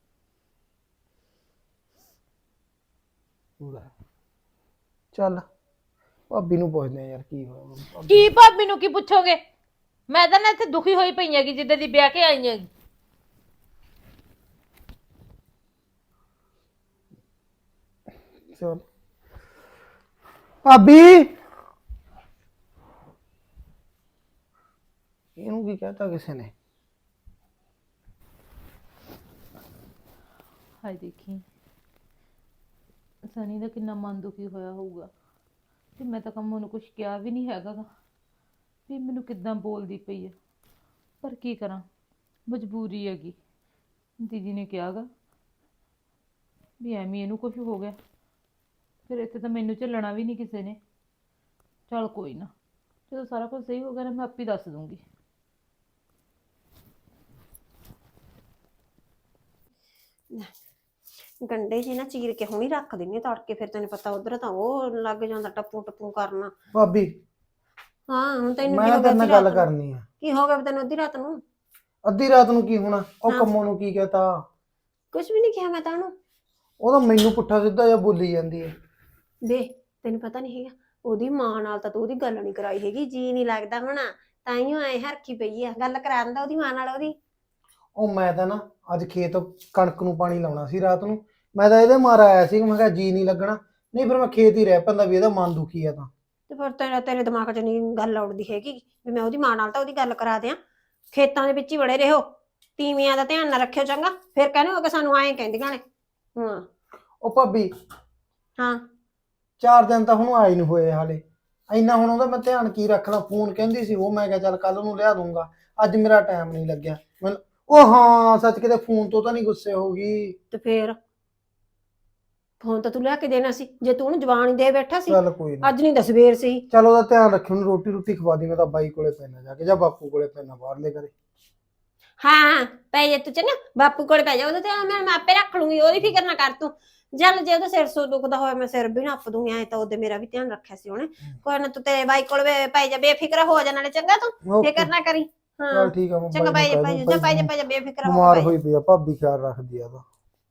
ਲੈ, ਚੱਲ ਭਾਬੀ ਨੂੰ ਪੁੱਛਦੇ ਆ ਯਾਰ ਕੀ ਹੋਇਆ ਭਾਬੀ-
ਕੀ ਭਾਬੀ ਨੂੰ ਕੀ ਪੁੱਛੋਗੇ? ਮੈਂ ਤਾਂ ਨਾ ਇੱਥੇ ਦੁਖੀ ਹੋਈ ਪਈ ਹੈਗੀ ਜਿੱਦਾਂ ਦੀ ਵਿਆਹ ਕੇ ਆਈ ਹੈਗੀ।
ਚੱਲ ਭਾਬੀ ਇਹਨੂੰ ਕੀ ਕਹਤਾ ਕਿਸੇ ਨੇ?
ਹਾਏ ਦੇਖੀ ਸਨੀ ਦਾ ਕਿੰਨਾ ਮਨ ਦੁਖੀ ਹੋਇਆ ਹੋਊਗਾ। ਤੇ ਮੈਂ ਤਾਂ ਕੰਮ ਉਹਨੂੰ ਕੁਝ ਕਿਹਾ ਵੀ ਨਹੀਂ ਹੈਗਾ ਗਾ ਵੀ ਮੈਨੂੰ ਕਿੱਦਾਂ ਬੋਲਦੀ ਪਈ ਹੈ। ਪਰ ਕੀ ਕਰਾਂ, ਮਜਬੂਰੀ ਹੈਗੀ। ਦੀਦੀ ਨੇ ਕਿਹਾਗਾ ਵੀ ਐਵੇਂ ਇਹਨੂੰ ਕੁਝ ਹੋ ਗਿਆ, ਫਿਰ ਇੱਥੇ ਤਾਂ ਮੈਨੂੰ ਝੱਲਣਾ ਵੀ ਨਹੀਂ ਕਿਸੇ ਨੇ। ਚੱਲ ਕੋਈ ਨਾ, ਜਦੋਂ ਸਾਰਾ ਕੁਝ ਸਹੀ ਹੋ ਗਿਆ ਨਾ ਮੈਂ ਆਪੇ ਦੱਸ ਦੂੰਗੀ।
ਗੰਡੇ ਜੀ ਨਾ ਚੀਰ ਕੇ ਹੁਣੀ ਰੱਖ ਦਿੰਨੀ ਆ ਤੜਕੇ, ਫਿਰ ਤੈਨੂੰ ਪਤਾ ਉਧਰ ਤਾਂ ਉਹ ਲੱਗ ਜਾਂਦਾ ਟੱਪੂ ਟੱਪੂ ਕਰਨਾ।
ਭਾਬੀ
ਹਾਂ ਹੁਣ ਤੈਨੂੰ ਕੀ
ਮੈਂ
ਹੋ ਗਿਆ
ਤੇਰੇ ਨਾਲ
ਅੱਧੀ
ਗੱਲ
ਰਾਤ ਨੂੰ?
ਕਰਨੀ ਆ।
ਕੀ ਹੋ ਗਿਆ ਵੀ ਤੈਨੂੰ ਅੱਧੀ ਰਾਤ ਨੂੰ?
ਅੱਧੀ ਰਾਤ ਨੂੰ ਕੀ ਹੋਣਾ? ਉਹ
ਹਾਂ।
ਕੰਮੋਂ ਨੂੰ ਕੀ ਕਹਤਾ?
ਕੁਝ ਵੀ ਨਹੀਂ ਕਿਹਾ ਮੈਂ ਤਾਂ ਉਹਨੂੰ।
ਉਹ ਤਾਂ ਮੈਨੂੰ ਪੁੱਠਾ ਸਿੱਧਾ ਜਿਹਾ ਬੋਲੀ ਜਾਂਦੀ ਹੈ।
ਵੇ ਤੈਨੂੰ ਪਤਾ ਨਹੀਂ ਹੈਗਾ, ਉਹਦੀ ਮਾਂ ਨਾਲ ਤਾਂ ਤੂੰ ਉਹਦੀ ਗੱਲ ਨਹੀਂ ਕਰਾਈ ਹੈਗੀ, ਜੀ ਨਹੀਂ ਲੱਗਦਾ ਹੋਣਾ ਤਾਈਓ ਐ ਹਰਖੀ ਪਈ ਆ। ਗੱਲ ਕਰਾ ਦਿੰਦਾ ਉਹਦੀ ਮਾਂ ਨਾਲ ਉਹਦੀ।
ਉਹ ਮੈਂ ਤਾਂ ਨਾ ਅੱਜ ਖੇਤ ਕਣਕ ਨੂੰ ਪਾਣੀ ਲਾਉਣਾ ਸੀ ਰਾਤ ਨੂੰ, ਮੈਂ ਤਾਂ ਇਹਦੇ ਮਾਰ ਆਇਆ ਸੀ। ਮੈਂ ਕਿਹਾ ਜੀ ਨਹੀਂ ਲੱਗਣਾ, ਨਹੀਂ ਫਿਰ ਮੈਂ ਖੇਤ ਹੀ ਰਹਿ ਪੈਂਦਾ ਵੀ ਇਹਦਾ ਮਨ ਦੁਖੀ ਆ ਤਾਂ।
ਤੇ ਫਿਰ ਤੇਰੇ ਤੇਰੇ ਦਿਮਾਗ 'ਚ ਨਹੀਂ ਗੱਲ ਆਉੜਦੀ ਹੈਗੀ ਵੀ ਮੈਂ ਉਹਦੀ ਮਾਂ ਨਾਲ ਤਾਂ ਉਹਦੀ ਗੱਲ ਕਰਾ ਦਿਆਂ। ਖੇਤਾਂ ਦੇ ਵਿੱਚ ਹੀ ਵੜੇ ਰਹੋ, ਤੀਵੀਆਂ ਦਾ ਧਿਆਨ ਨਾ ਰੱਖਿਓ ਚੰਗਾ, ਫਿਰ ਕਹਿੰਦੇ ਹੋ ਕਿ ਸਾਨੂੰ ਐਂ ਕਹਿੰਦੀਆਂ ਨੇ। ਹਾਂ
ਉਹ ਭਾਬੀ
ਹਾਂ
ਚਾਰ ਦਿਨ ਤਾਂ ਹੁਣ ਆਏ ਨੂੰ ਹੋਏ ਹਾਲੇ, ਇੰਨਾ ਹੁਣ ਉਹਦਾ ਮੈਂ ਧਿਆਨ ਕੀ ਰੱਖਣਾ। ਫੋਨ ਕਹਿੰਦੀ ਸੀ ਉਹ, ਮੈਂ ਕਿਹਾ ਚੱਲ ਕੱਲ ਨੂੰ ਲਿਆ ਦੂੰਗਾ, ਅੱਜ ਮੇਰਾ ਟਾਈਮ ਨਹੀਂ ਲੱਗਿਆ ਮੈਨੂੰ। ਉਹ ਹਾਂ ਸੱਚ, ਕਿਤੇ ਫੋਨ ਤੋਂ ਤਾਂ ਨਹੀਂ ਗੁੱਸੇ ਹੋ ਗਈ?
ਤੇ ਫਿਰ ਫੋਨ ਤਾਂ ਤੂੰ ਲਿਆ ਕੇ ਦੇਣਾ ਸੀ ਜੇ ਤੂੰ ਉਹਨੂੰ ਜਵਾਨ ਹੀ ਦੇ ਬੈਠਾ ਸੀ।
ਚੱਲ ਕੋਈ ਨਾ,
ਅੱਜ ਨਹੀਂ ਤਾਂ ਸਵੇਰ ਸੀ।
ਚੱਲ ਉਹਦਾ ਧਿਆਨ ਰੱਖੀ, ਉਹਨੂੰ ਰੋਟੀ ਰੋਟੀ ਖਵਾ ਦੀ। ਮੈਂ ਤਾਂ ਬਾਈ ਕੋਲੇ ਪੈਣਾ ਜਾ ਕੇ, ਜਾਂ ਬਾਪੂ ਕੋਲੇ ਪੈਣਾ ਬਾਹਰਲੇ ਘਰੇ।
ਹਾਂ ਪੈ ਜਾ ਤੂੰ ਚੰਗਾ, ਬਾਪੂ ਕੋਲ ਪੈ ਜਾ, ਉਹਦੇ ਤੇ ਮੈਂ ਮੈਂ ਆਪੇ ਰੱਖ ਲੂੰਗੀ, ਉਹਦੀ ਫਿਕਰ ਨਾ ਕਰ ਤੂੰ। ਜਲ ਜੇ ਉਹਦਾ ਸਿਰ ਸੋ ਦੁਖਦਾ ਹੋਇਆ ਮੈਂ ਸਿਰ ਵੀ ਨੱਪ ਦੂੰਗੀ, ਐ ਤਾਂ ਉਹਦੇ ਮੇਰਾ ਵੀ ਧਿਆਨ ਰੱਖਿਆ ਸੀ ਉਹਨੇ। ਕੋਈ ਨਾ ਤੂੰ ਤੇਰੇ ਬਾਈ ਕੋਲ ਪੈ ਜਾ, ਬੇਫਿਕਰ ਹੋ ਜਾ ਨਾਲੇ ਚੰਗਾ, ਤੂੰ ਫਿਕਰ ਨਾ ਕਰੀ। ਹਾਂ
ਚੱਲ ਠੀਕ ਆ, ਮੈਂ
ਚੰਗਾ
ਬਾਈ
ਪੈ
ਨੂੰ
ਜਾ
ਕਹਿ
ਪੈ
ਦੂੰ
ਜਾ ਪੈ ਜਾ ਪੈ ਜਾ ਬੇਫਿਕਰ ਹੋ
ਬਿਮਾਰ
ਕੇ ਪੈ
ਹੋਈ ਪਈ ਆ ਭਾਬੀ, ਖਿਆਲ ਰੱਖਦੀ ਆ ਤਾਂ।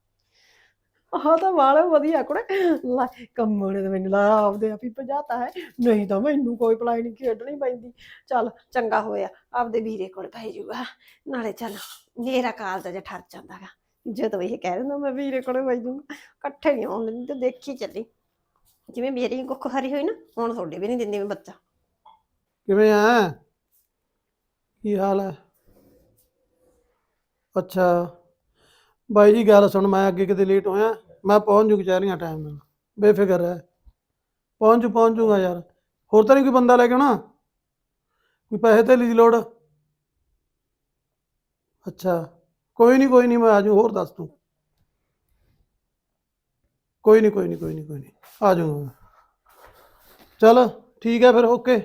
ਆਹ ਤਾਂ ਵਾਲਾ ਵਧੀਆ ਕੁੜੇ ਲੈ, ਕੰਮੋਂ ਨੇ ਤਾਂ ਮੈਨੂੰ ਲਾ ਆਪਦੇ ਆਪ ਹੀ ਭਜਾਤਾ ਹੈ, ਨਹੀਂ ਤਾਂ ਮੈਨੂੰ ਕੋਈ ਪਲਾਈ ਨਹੀਂ ਖੇਡਣੀ ਪੈਂਦੀ। ਚੱਲ ਚੰਗਾ ਹੋਇਆ ਆਪਦੇ ਵੀਰੇ ਕੋਲ ਪੈ ਜਾਊਗਾ, ਨਾਲੇ ਚੱਲ ਮੇਰਾ ਕਾਲਜ ਜਿਹਾ ਠਰ ਜਾਂਦਾ ਗਾ ਜਦੋਂ ਇਹ ਕਹਿ ਦਿੰਦਾ ਮੈਂ ਵੀਰੇ ਕੋਲ ਪੈ ਜਾਊਗਾ। ਇਕੱਠੇ ਨਹੀਂ ਆਉਣ ਦਿੰਦੀ, ਤੇ ਦੇਖੀ ਚੱਲੀ ਜਿਵੇਂ ਮੇਰੀ ਕੁੱਖ ਹਰੀ ਹੋਈ ਨਾ, ਹੁਣ ਤੁਹਾਡੇ ਵੀ ਨਹੀਂ ਦਿੰਦੀ ਮੈਂ ਬੱਚਾ।
ਕਿਵੇਂ ਆ? ਕੀ ਹਾਲ ਹੈ? ਅੱਛਾ ਬਾਈ ਜੀ ਗੱਲ ਸੁਣ, ਮੈਂ ਅੱਗੇ ਕਿਤੇ ਲੇਟ ਹੋਇਆ, ਮੈਂ ਪਹੁੰਚ ਜੂ ਕਚਹਿਰੀਆਂ ਟਾਈਮ ਨਾਲ, ਬੇਫਿਕਰ ਰਹਿ। ਪਹੁੰਚ ਜੂ ਪਹੁੰਚ ਜੂਗਾ ਯਾਰ। ਹੋਰ ਤਾਂ ਨਹੀਂ ਕੋਈ ਬੰਦਾ ਲੈ ਕੇ ਆਉਣਾ? ਕੋਈ ਪੈਸੇ ਧੇਲੀ ਦੀ ਲੋੜ? ਅੱਛਾ ਕੋਈ ਨਹੀਂ ਕੋਈ ਨਹੀਂ, ਮੈਂ ਆ ਜੂ। ਹੋਰ ਦੱਸ ਤੂੰ। ਕੋਈ ਨਹੀਂ ਕੋਈ ਨਹੀਂ ਕੋਈ ਨਹੀਂ ਕੋਈ ਨਹੀਂ ਆ ਜਾਊਗਾ ਮੈਂ। ਚੱਲ ਠੀਕ ਹੈ ਫਿਰ, ਓਕੇ।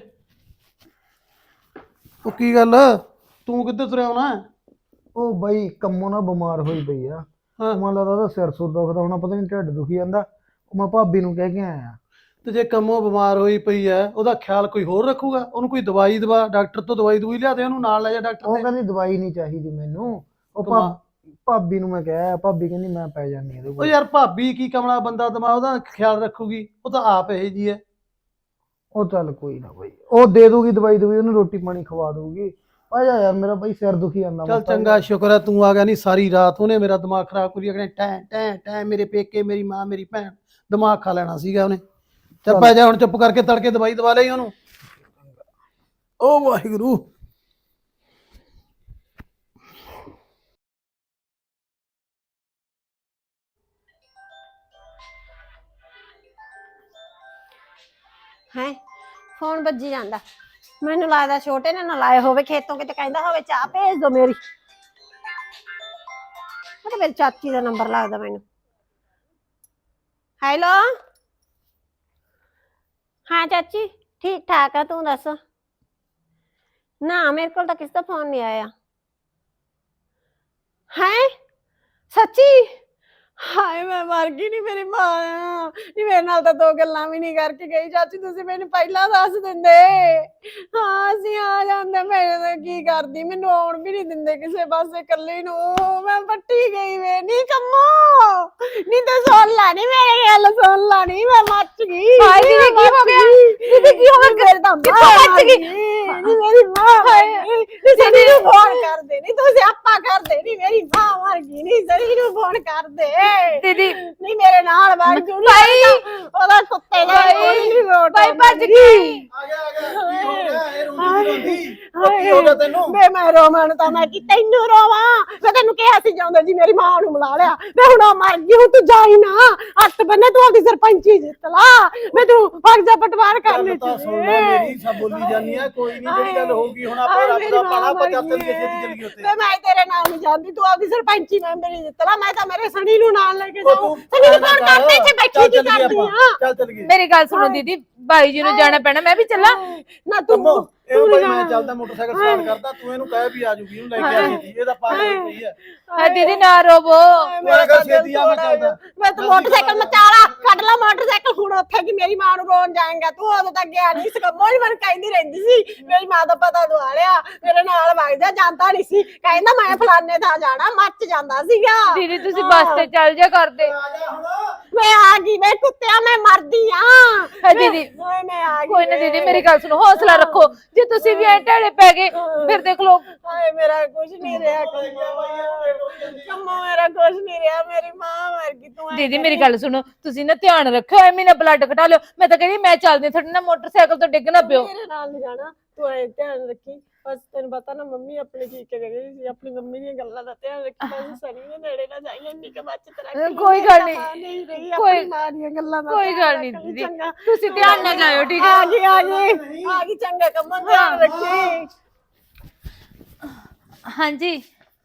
ਉਹ ਕੀ ਗੱਲ, ਤੂੰ ਕਿੱਧਰ ਤੁਰਿਆ ਆਉਣਾ?
ਉਹ ਬਾਈ ਕੰਮੋਂ ਨਾ ਬਿਮਾਰ ਹੋਈ ਪਈ ਆ।
ਹਾਂ
ਮੈਨੂੰ ਲੱਗਦਾ ਉਹਦਾ ਸਿਰ ਸੁਰ ਦੁਖਦਾ ਹੋਣਾ, ਪਤਾ ਨਹੀਂ ਢਿੱਡ ਦੁਖੀ ਜਾਂਦਾ। ਉਹ ਮੈਂ ਭਾਬੀ ਨੂੰ ਕਹਿ ਕੇ ਆਇਆ।
ਤੇ ਜੇ ਕੰਮੋਂ ਬਿਮਾਰ ਹੋਈ ਪਈ ਐ, ਉਹਦਾ ਖਿਆਲ ਕੋਈ ਹੋਰ ਰੱਖੂਗਾ? ਉਹਨੂੰ ਕੋਈ ਦਵਾਈ ਦਵਾ, ਡਾਕਟਰ ਤੋਂ ਦਵਾਈ ਦਵਾਈ ਲਿਆ ਦੇ, ਉਹਨੂੰ ਨਾਲ ਲੈ ਜਾ ਡਾਕਟਰ
ਉਹ
ਦੇ।
ਕਹਿੰਦੀ ਦਵਾਈ ਨਹੀਂ ਚਾਹੀਦੀ ਮੈਨੂੰ। ਉਹ
ਕਮਾ-
ਭਾ- ਭਾਬੀ ਨੂੰ ਮੈਂ ਕਿਹਾ, ਭਾਬੀ ਕਹਿੰਦੀ ਮੈਂ ਪੈ ਜਾਂਦੀ ਇਹਦੇ
ਉਹ
ਕੋਲ।
ਯਾਰ ਭਾਬੀ ਕੀ ਕਮਲਾ ਬੰਦਾ ਦਿਮਾਗ, ਉਹਦਾ ਖਿਆਲ ਰੱਖੂਗੀ? ਉਹ ਤਾਂ ਆਪ ਇਹੋ ਜੀ ਐ।
ਉਹ ਚੱਲ ਕੋਈ ਨਾ ਬਾਈ, ਉਹ ਦੇ ਦੂਗੀ ਦਵਾਈ ਦਵਾਈ, ਉਹਨੂੰ ਰੋਟੀ ਪਾਣੀ ਖਵਾ ਦੂਗੀ। ਆ ਜਾ ਯਾਰ, ਮੇਰਾ ਬਾਈ ਸਿਰ ਦੁਖੀ ਜਾਂਦਾ।
ਚੱਲ ਚੰਗਾ, ਸ਼ੁਕਰ ਹੈ ਤੂੰ ਆ ਗਿਆ, ਨਹੀਂ ਸਾਰੀ ਰਾਤ ਉਹਨੇ ਮੇਰਾ ਦਿਮਾਗ ਖਰਾਬ ਕਰੀ ਅਗਲੇ ਟੈਂ ਟੈਂ ਟੈਂ, ਮੇਰੇ ਪੇਕੇ, ਮੇਰੀ ਮਾਂ, ਮੇਰੀ ਭੈਣ, ਦਿਮਾਗ ਖਾ ਲੈਣਾ ਸੀਗਾ ਉਹਨੇ। ਚੱਲ ਪੈ ਜਾ ਹੁਣ, ਚੁੱਪ ਕਰਕੇ ਤੜਕੇ ਦਵਾਈ ਦਵਾ ਲਈ ਉਹਨੂੰ। ਓ ਵਾਹਿਗੁਰੂ।
ਹੈ ਫੋਨ ਵੱਜੀ ਜਾਂਦਾ, ਮੈਨੂੰ ਲੱਗਦਾ ਛੋਟੇ ਨੇ ਨਾ ਲਾਏ ਹੋਵੇ ਖੇਤੋਂ, ਕਿਤੇ ਕਹਿੰਦਾ ਹੋਵੇ ਚਾਹ ਭੇਜ ਦੋ ਮੇਰੀ। ਉਹ ਤਾਂ ਮੇਰੀ ਚਾਚੀ ਦਾ ਨੰਬਰ ਲੱਗਦਾ ਮੈਨੂੰ। ਹੈਲੋ ਹਾਂ ਚਾਚੀ, ਠੀਕ ਠਾਕ ਆ, ਤੂੰ ਦੱਸ? ਨਾ ਮੇਰੇ ਕੋਲ ਤਾਂ ਕਿਸੇ ਦਾ ਫੋਨ ਨਹੀਂ ਆਇਆ। ਹੈ ਸੱਚੀ? ਹਾਏ ਮੈਂ ਮਰ ਗਈ ਨਹੀਂ ਮੇਰੀ ਮਾਂ ਨਹੀਂ ਮੇਰੇ ਨਾਲ ਤਾਂ ਦੋ ਗੱਲਾਂ ਵੀ ਨਹੀਂ ਕਰਕੇ ਗਈ ਚਾਚੀ ਤੁਸੀਂ ਮੈਨੂੰ ਪਹਿਲਾਂ ਦੱਸ ਦਿੰਦੇ ਹਾਂ ਅਸੀਂ ਆ ਜਾਂਦੇ ਮੈਂ ਤਾਂ ਕੀ ਕਰਦੀ ਮੈਨੂੰ ਆਉਣ ਵੀ ਨਹੀਂ ਦਿੰਦੇ ਕਿਸੇ ਪਾਸੇ ਇਕੱਲੀ ਨੂੰ ਮੈਂ ਪੱਟੀ ਗਈ ਵੇ ਨਹੀਂ ਕੰਮੋ ਨਹੀਂ ਤੇ ਸੁਣ ਲਾ ਨੀ ਮੇਰੀ ਗੱਲ ਸੁਣ ਲਾ ਨੀ ਮੈਂ ਮੱਚ ਗਈ
ਹਾਏ ਦੀਦੀ, ਕੀ ਹੋ ਗਿਆ?
ਦੀਦੀ ਕੀ ਹੋ ਗਿਆ ਮੇਰੇ ਤਾਂ
ਕਿੱਥੋਂ ਮੱਚ ਗਈ?
ਨੀ ਮੇਰੀ ਮਾਂ ਹਾਏ ਸਨੀ ਨੂੰ ਫੋਨ ਕਰ ਦੇ ਨੀ ਤੂੰ ਸਿਆਪਾ ਕਰ ਦੇ ਨੀ ਮੇਰੀ ਮਾਂ ਮਰ ਗਈ ਨੀ ਸਨੀ ਨੂੰ ਫੋਨ ਕਰ ਦੇ
ਦੀਦੀ
ਨਹੀਂ ਮੇਰੇ ਨਾਲ ਵਗ ਜੂ ਨੀ
ਭਾਈ।
ਉਹਦਾ ਕੁੱਤੇ ਦਾ
ਭਾਈ।
ਕੋਈ ਨਹੀਂ ਰੋਟ
ਭਾਈ ਭੱਜ ਗਈ।
ਆ ਗਿਆ ਆ ਗਿਆ ਕੀ ਹੋ ਗਿਆ ਇਹ ਰੋਂਦੀ
ਹਾਏ।
ਰੋਂਦੀ ਉਹ ਕੀ ਹੋ ਗਿਆ ਤੈਨੂੰ
ਵੇ ਮੈਂ ਰੋਮਨ ਤਾਂ ਮੈਂ ਕਿ ਤੈਨੂੰ ਰੋਵਾਂ ਮੈਂ ਤੈਨੂੰ ਕਿਹਾ ਸੀ ਜਾਂਦਾ ਜੀ ਮੇਰੀ ਮਾਂ ਨੂੰ ਮਿਲਾ ਲਿਆ ਵੇ ਹੁਣ ਉਹ ਮਰ ਗਈ ਹੁਣ ਤੂੰ ਜਾਈ ਨਾ ਹੱਥ ਬੰਨੇ ਤੂੰ ਆਪਦੀ ਸਰਪੰਚੀ ਜਿੱਤ ਲਾ ਵੇ ਤੂੰ ਫਰਜ਼ ਪਟਵਾਰ ਕਰ
ਗੱਲ
ਲੈ
ਤਾਂ ਸੁਣ ਲੈ ਮੇਰੀ ਸਭ ਬੋਲੀ ਜਾਨੀ ਆ ਕੋਈ ਨਹੀਂ ਜਿਹੜੀ ਗੱਲ ਹੋਊਗੀ ਹੁਣ ਆਪਾਂ ਰੱਬ ਦਾ ਪਾਣਾ ਪਚਾ ਚੱਲ ਕੇ ਛੇਤੀ ਚੱਲ ਗਈ ਉੱਥੇ
ਵੇ ਮੈਂ ਤੇਰੇ ਨਾਲ ਨਹੀਂ ਜਾਂਦੀ ਤੂੰ ਆਪਦੀ ਸਰਪੰਚੀ ਮੈਂਬਰੀ ਜਿੱਤ ਲਾ ਮੈਂ ਤਾਂ ਮੇਰੇ ਸਣੀ ਨੂੰ ਨਾਲ ਲੈ ਕੇ
ਉਹ
ਜਾਊਂ
ਤੂੰ
ਸਣੀ ਨੂੰ
ਐਂ ਨਾ
ਫੋਨ
ਕਰ,
ਕਰਦੇ ਇੱਥੇ ਬੈਠੀ
ਚੱਲ
ਕੀ
ਚੱਲੀਏ
ਕਰਦੀ
ਆਪਾਂ,
ਆ
ਚੱਲ ਚੱਲ ਗਏ
ਮੇਰੀ ਗੱਲ ਸੁਣੋ ਦੀਦੀ, ਬਾਈ ਜੀ ਨੂੰ ਜਾਣਾ ਪੈਣਾ, ਮੈਂ ਵੀ ਚੱਲਾਂ।
ਨਾ ਤੂੰ
ਕੰਮੋ ਇਹਨੂੰ
ਤੂੰ
ਭਾਈ
ਜਾਣਾ।
ਮੈਂ ਚੱਲਦਾ ਮੋਟਰਸਾਈਕਲ ਸਟਾਰਟ ਕਰਦਾ ਤੂੰ ਇਹਨੂੰ ਕਹਿ ਵੀ ਆ ਜੂਗੀ ਇਹਨੂੰ ਲੈ ਕੇ ਆ ਜੀ ਇਹਦਾ ਪਾਗਲ ਹੋਈ ਪਈ ਹੈ
ਹੈ ਦੀਦੀ ਨਾ ਰੋਵੋ।
ਮੇਰਾ ਘਰ ਛੇਤੀ ਆ ਮੈਂ ਚੱਲਦਾ
ਮੈਂ ਤਾਂ ਮੋਟਰਸਾਈਕਲ ਮਚਾਲਾ ਕੱਢ ਲਾ ਮੋਟਰਸਾਈਕਲ ਹੁਣ ਉੱਥੇ ਕਿ ਮੇਰੀ ਮਾਂ ਨੂੰ ਰੋਣ ਜਾਏਗਾ ਤੂੰ ਉਦੋਂ ਤੱਕ ਗਿਆ ਨਹੀਂ ਸਕਾ ਮੋਈ ਮਨ ਕਹਿੰਦੀ ਰਹਿੰਦੀ ਸੀ ਮੇਰੀ ਮਾਂ ਦਾ ਪਤਾ ਦਵਾ ਲਿਆ ਮੇਰੇ ਨਾਲ ਵਗਦਾ ਜਾਂਦਾ ਨਹੀਂ ਸੀ ਕਹਿੰਦਾ ਮੈਂ ਫਲਾਣੇ ਥਾਂ ਜਾਣਾ ਮੱਚ ਜਾਂਦਾ ਸੀਗਾ
ਦੀਦੀ ਤੁਸੀਂ ਬੱਸ ਤੇ ਚੱਲ ਜਾ ਕਰਦੇ।
ਆ ਜਾ ਹੁਣ
ਮੈਂ ਆ ਗਈ ਮੈਂ ਕੁੱਤਿਆ ਮੈਂ ਮਰਦੀ ਆ
ਹੈ ਦੀਦੀ
ਓਏ ਮੈਂ ਆ ਗਈ
ਕੋਈ ਨਾ ਦੀਦੀ ਮੇਰੀ ਗੱਲ ਸੁਣੋ, ਹੌਸਲਾ ਰੱਖੋ। ਜੇ ਤੁਸੀਂ ਵੀ ਐ ਢੇੜੇ ਪੈ ਗਏ ਫਿਰ ਦੇਖ ਲਓ।
ਹਾਏ ਮੇਰਾ ਕੁਝ ਨਹੀਂ ਰਿਹਾ ਕੰਮੋ ਮੇਰਾ ਕੁਝ ਨਹੀਂ ਰਿਹਾ ਮੇਰੀ ਮਾਂ ਮਰ ਗਈ ਤੂੰ ਐਂ
ਦੀਦੀ
ਕਰੀ।
ਮੇਰੀ ਗੱਲ ਸੁਣੋ, ਤੁਸੀਂ ਨਾ ਧਿਆਨ ਰੱਖਿਓ, ਐਵੇਂ ਨਾ ਬਲੱਡ ਘਟਾ ਲਿਓ। ਮੈਂ ਤਾਂ ਕਹਿੰਦੀ ਮੈਂ ਚੱਲਦੀ ਤੁਹਾਡੇ ਨਾਲ ਮੋਟਰਸਾਈਕਲ ਤੋਂ ਡਿੱਗ ਨਾ ਪਿਓ।
ਮੇਰੇ ਨਾਲ ਨਹੀਂ ਜਾਣਾ ਤੂੰ ਐ ਧਿਆਨ ਰੱਖੀ ਬਸ ਤੈਨੂੰ ਪਤਾ ਨਾ ਮੰਮੀ ਆਪਣੀ ਕੀ ਕਹਿ ਰਹੀ ਸੀ ਆਪਣੀ ਮੰਮੀ ਦੀਆਂ ਗੱਲਾਂ ਦਾ ਧਿਆਨ ਰੱਖੀ ਬਸ ਸਨੀ ਦੇ ਨੇੜੇ ਨਾ ਜਾਈਂ ਇੰਨੀ ਕਿ ਬਚਤ ਰੱਖੀ
ਕੋਈ ਗੱਲ ਨਹੀਂ।
ਨਹੀਂ ਰਹੀ
ਕੋਈ-
ਆਪਣੀ ਮਾਂ ਦੀਆਂ ਗੱਲਾਂ ਦਾ
ਕੋਈ
ਧਿਆਨ
ਗੱਲ ਨਹੀਂ
ਰੱਖ ਲਈ,
ਦੀਦੀ,
ਚੰਗਾ।
ਤੁਸੀਂ ਧਿਆਨ ਨਾਲ ਜਾਇਓ, ਠੀਕ
ਆ
ਹੈ?
ਗਈ ਆ ਗਈ ਆ ਗਈ ਚੰਗਾ ਕੰਮਾਂ ਧਿਆਨ ਰੱਖੀ
ਹਾਂਜੀ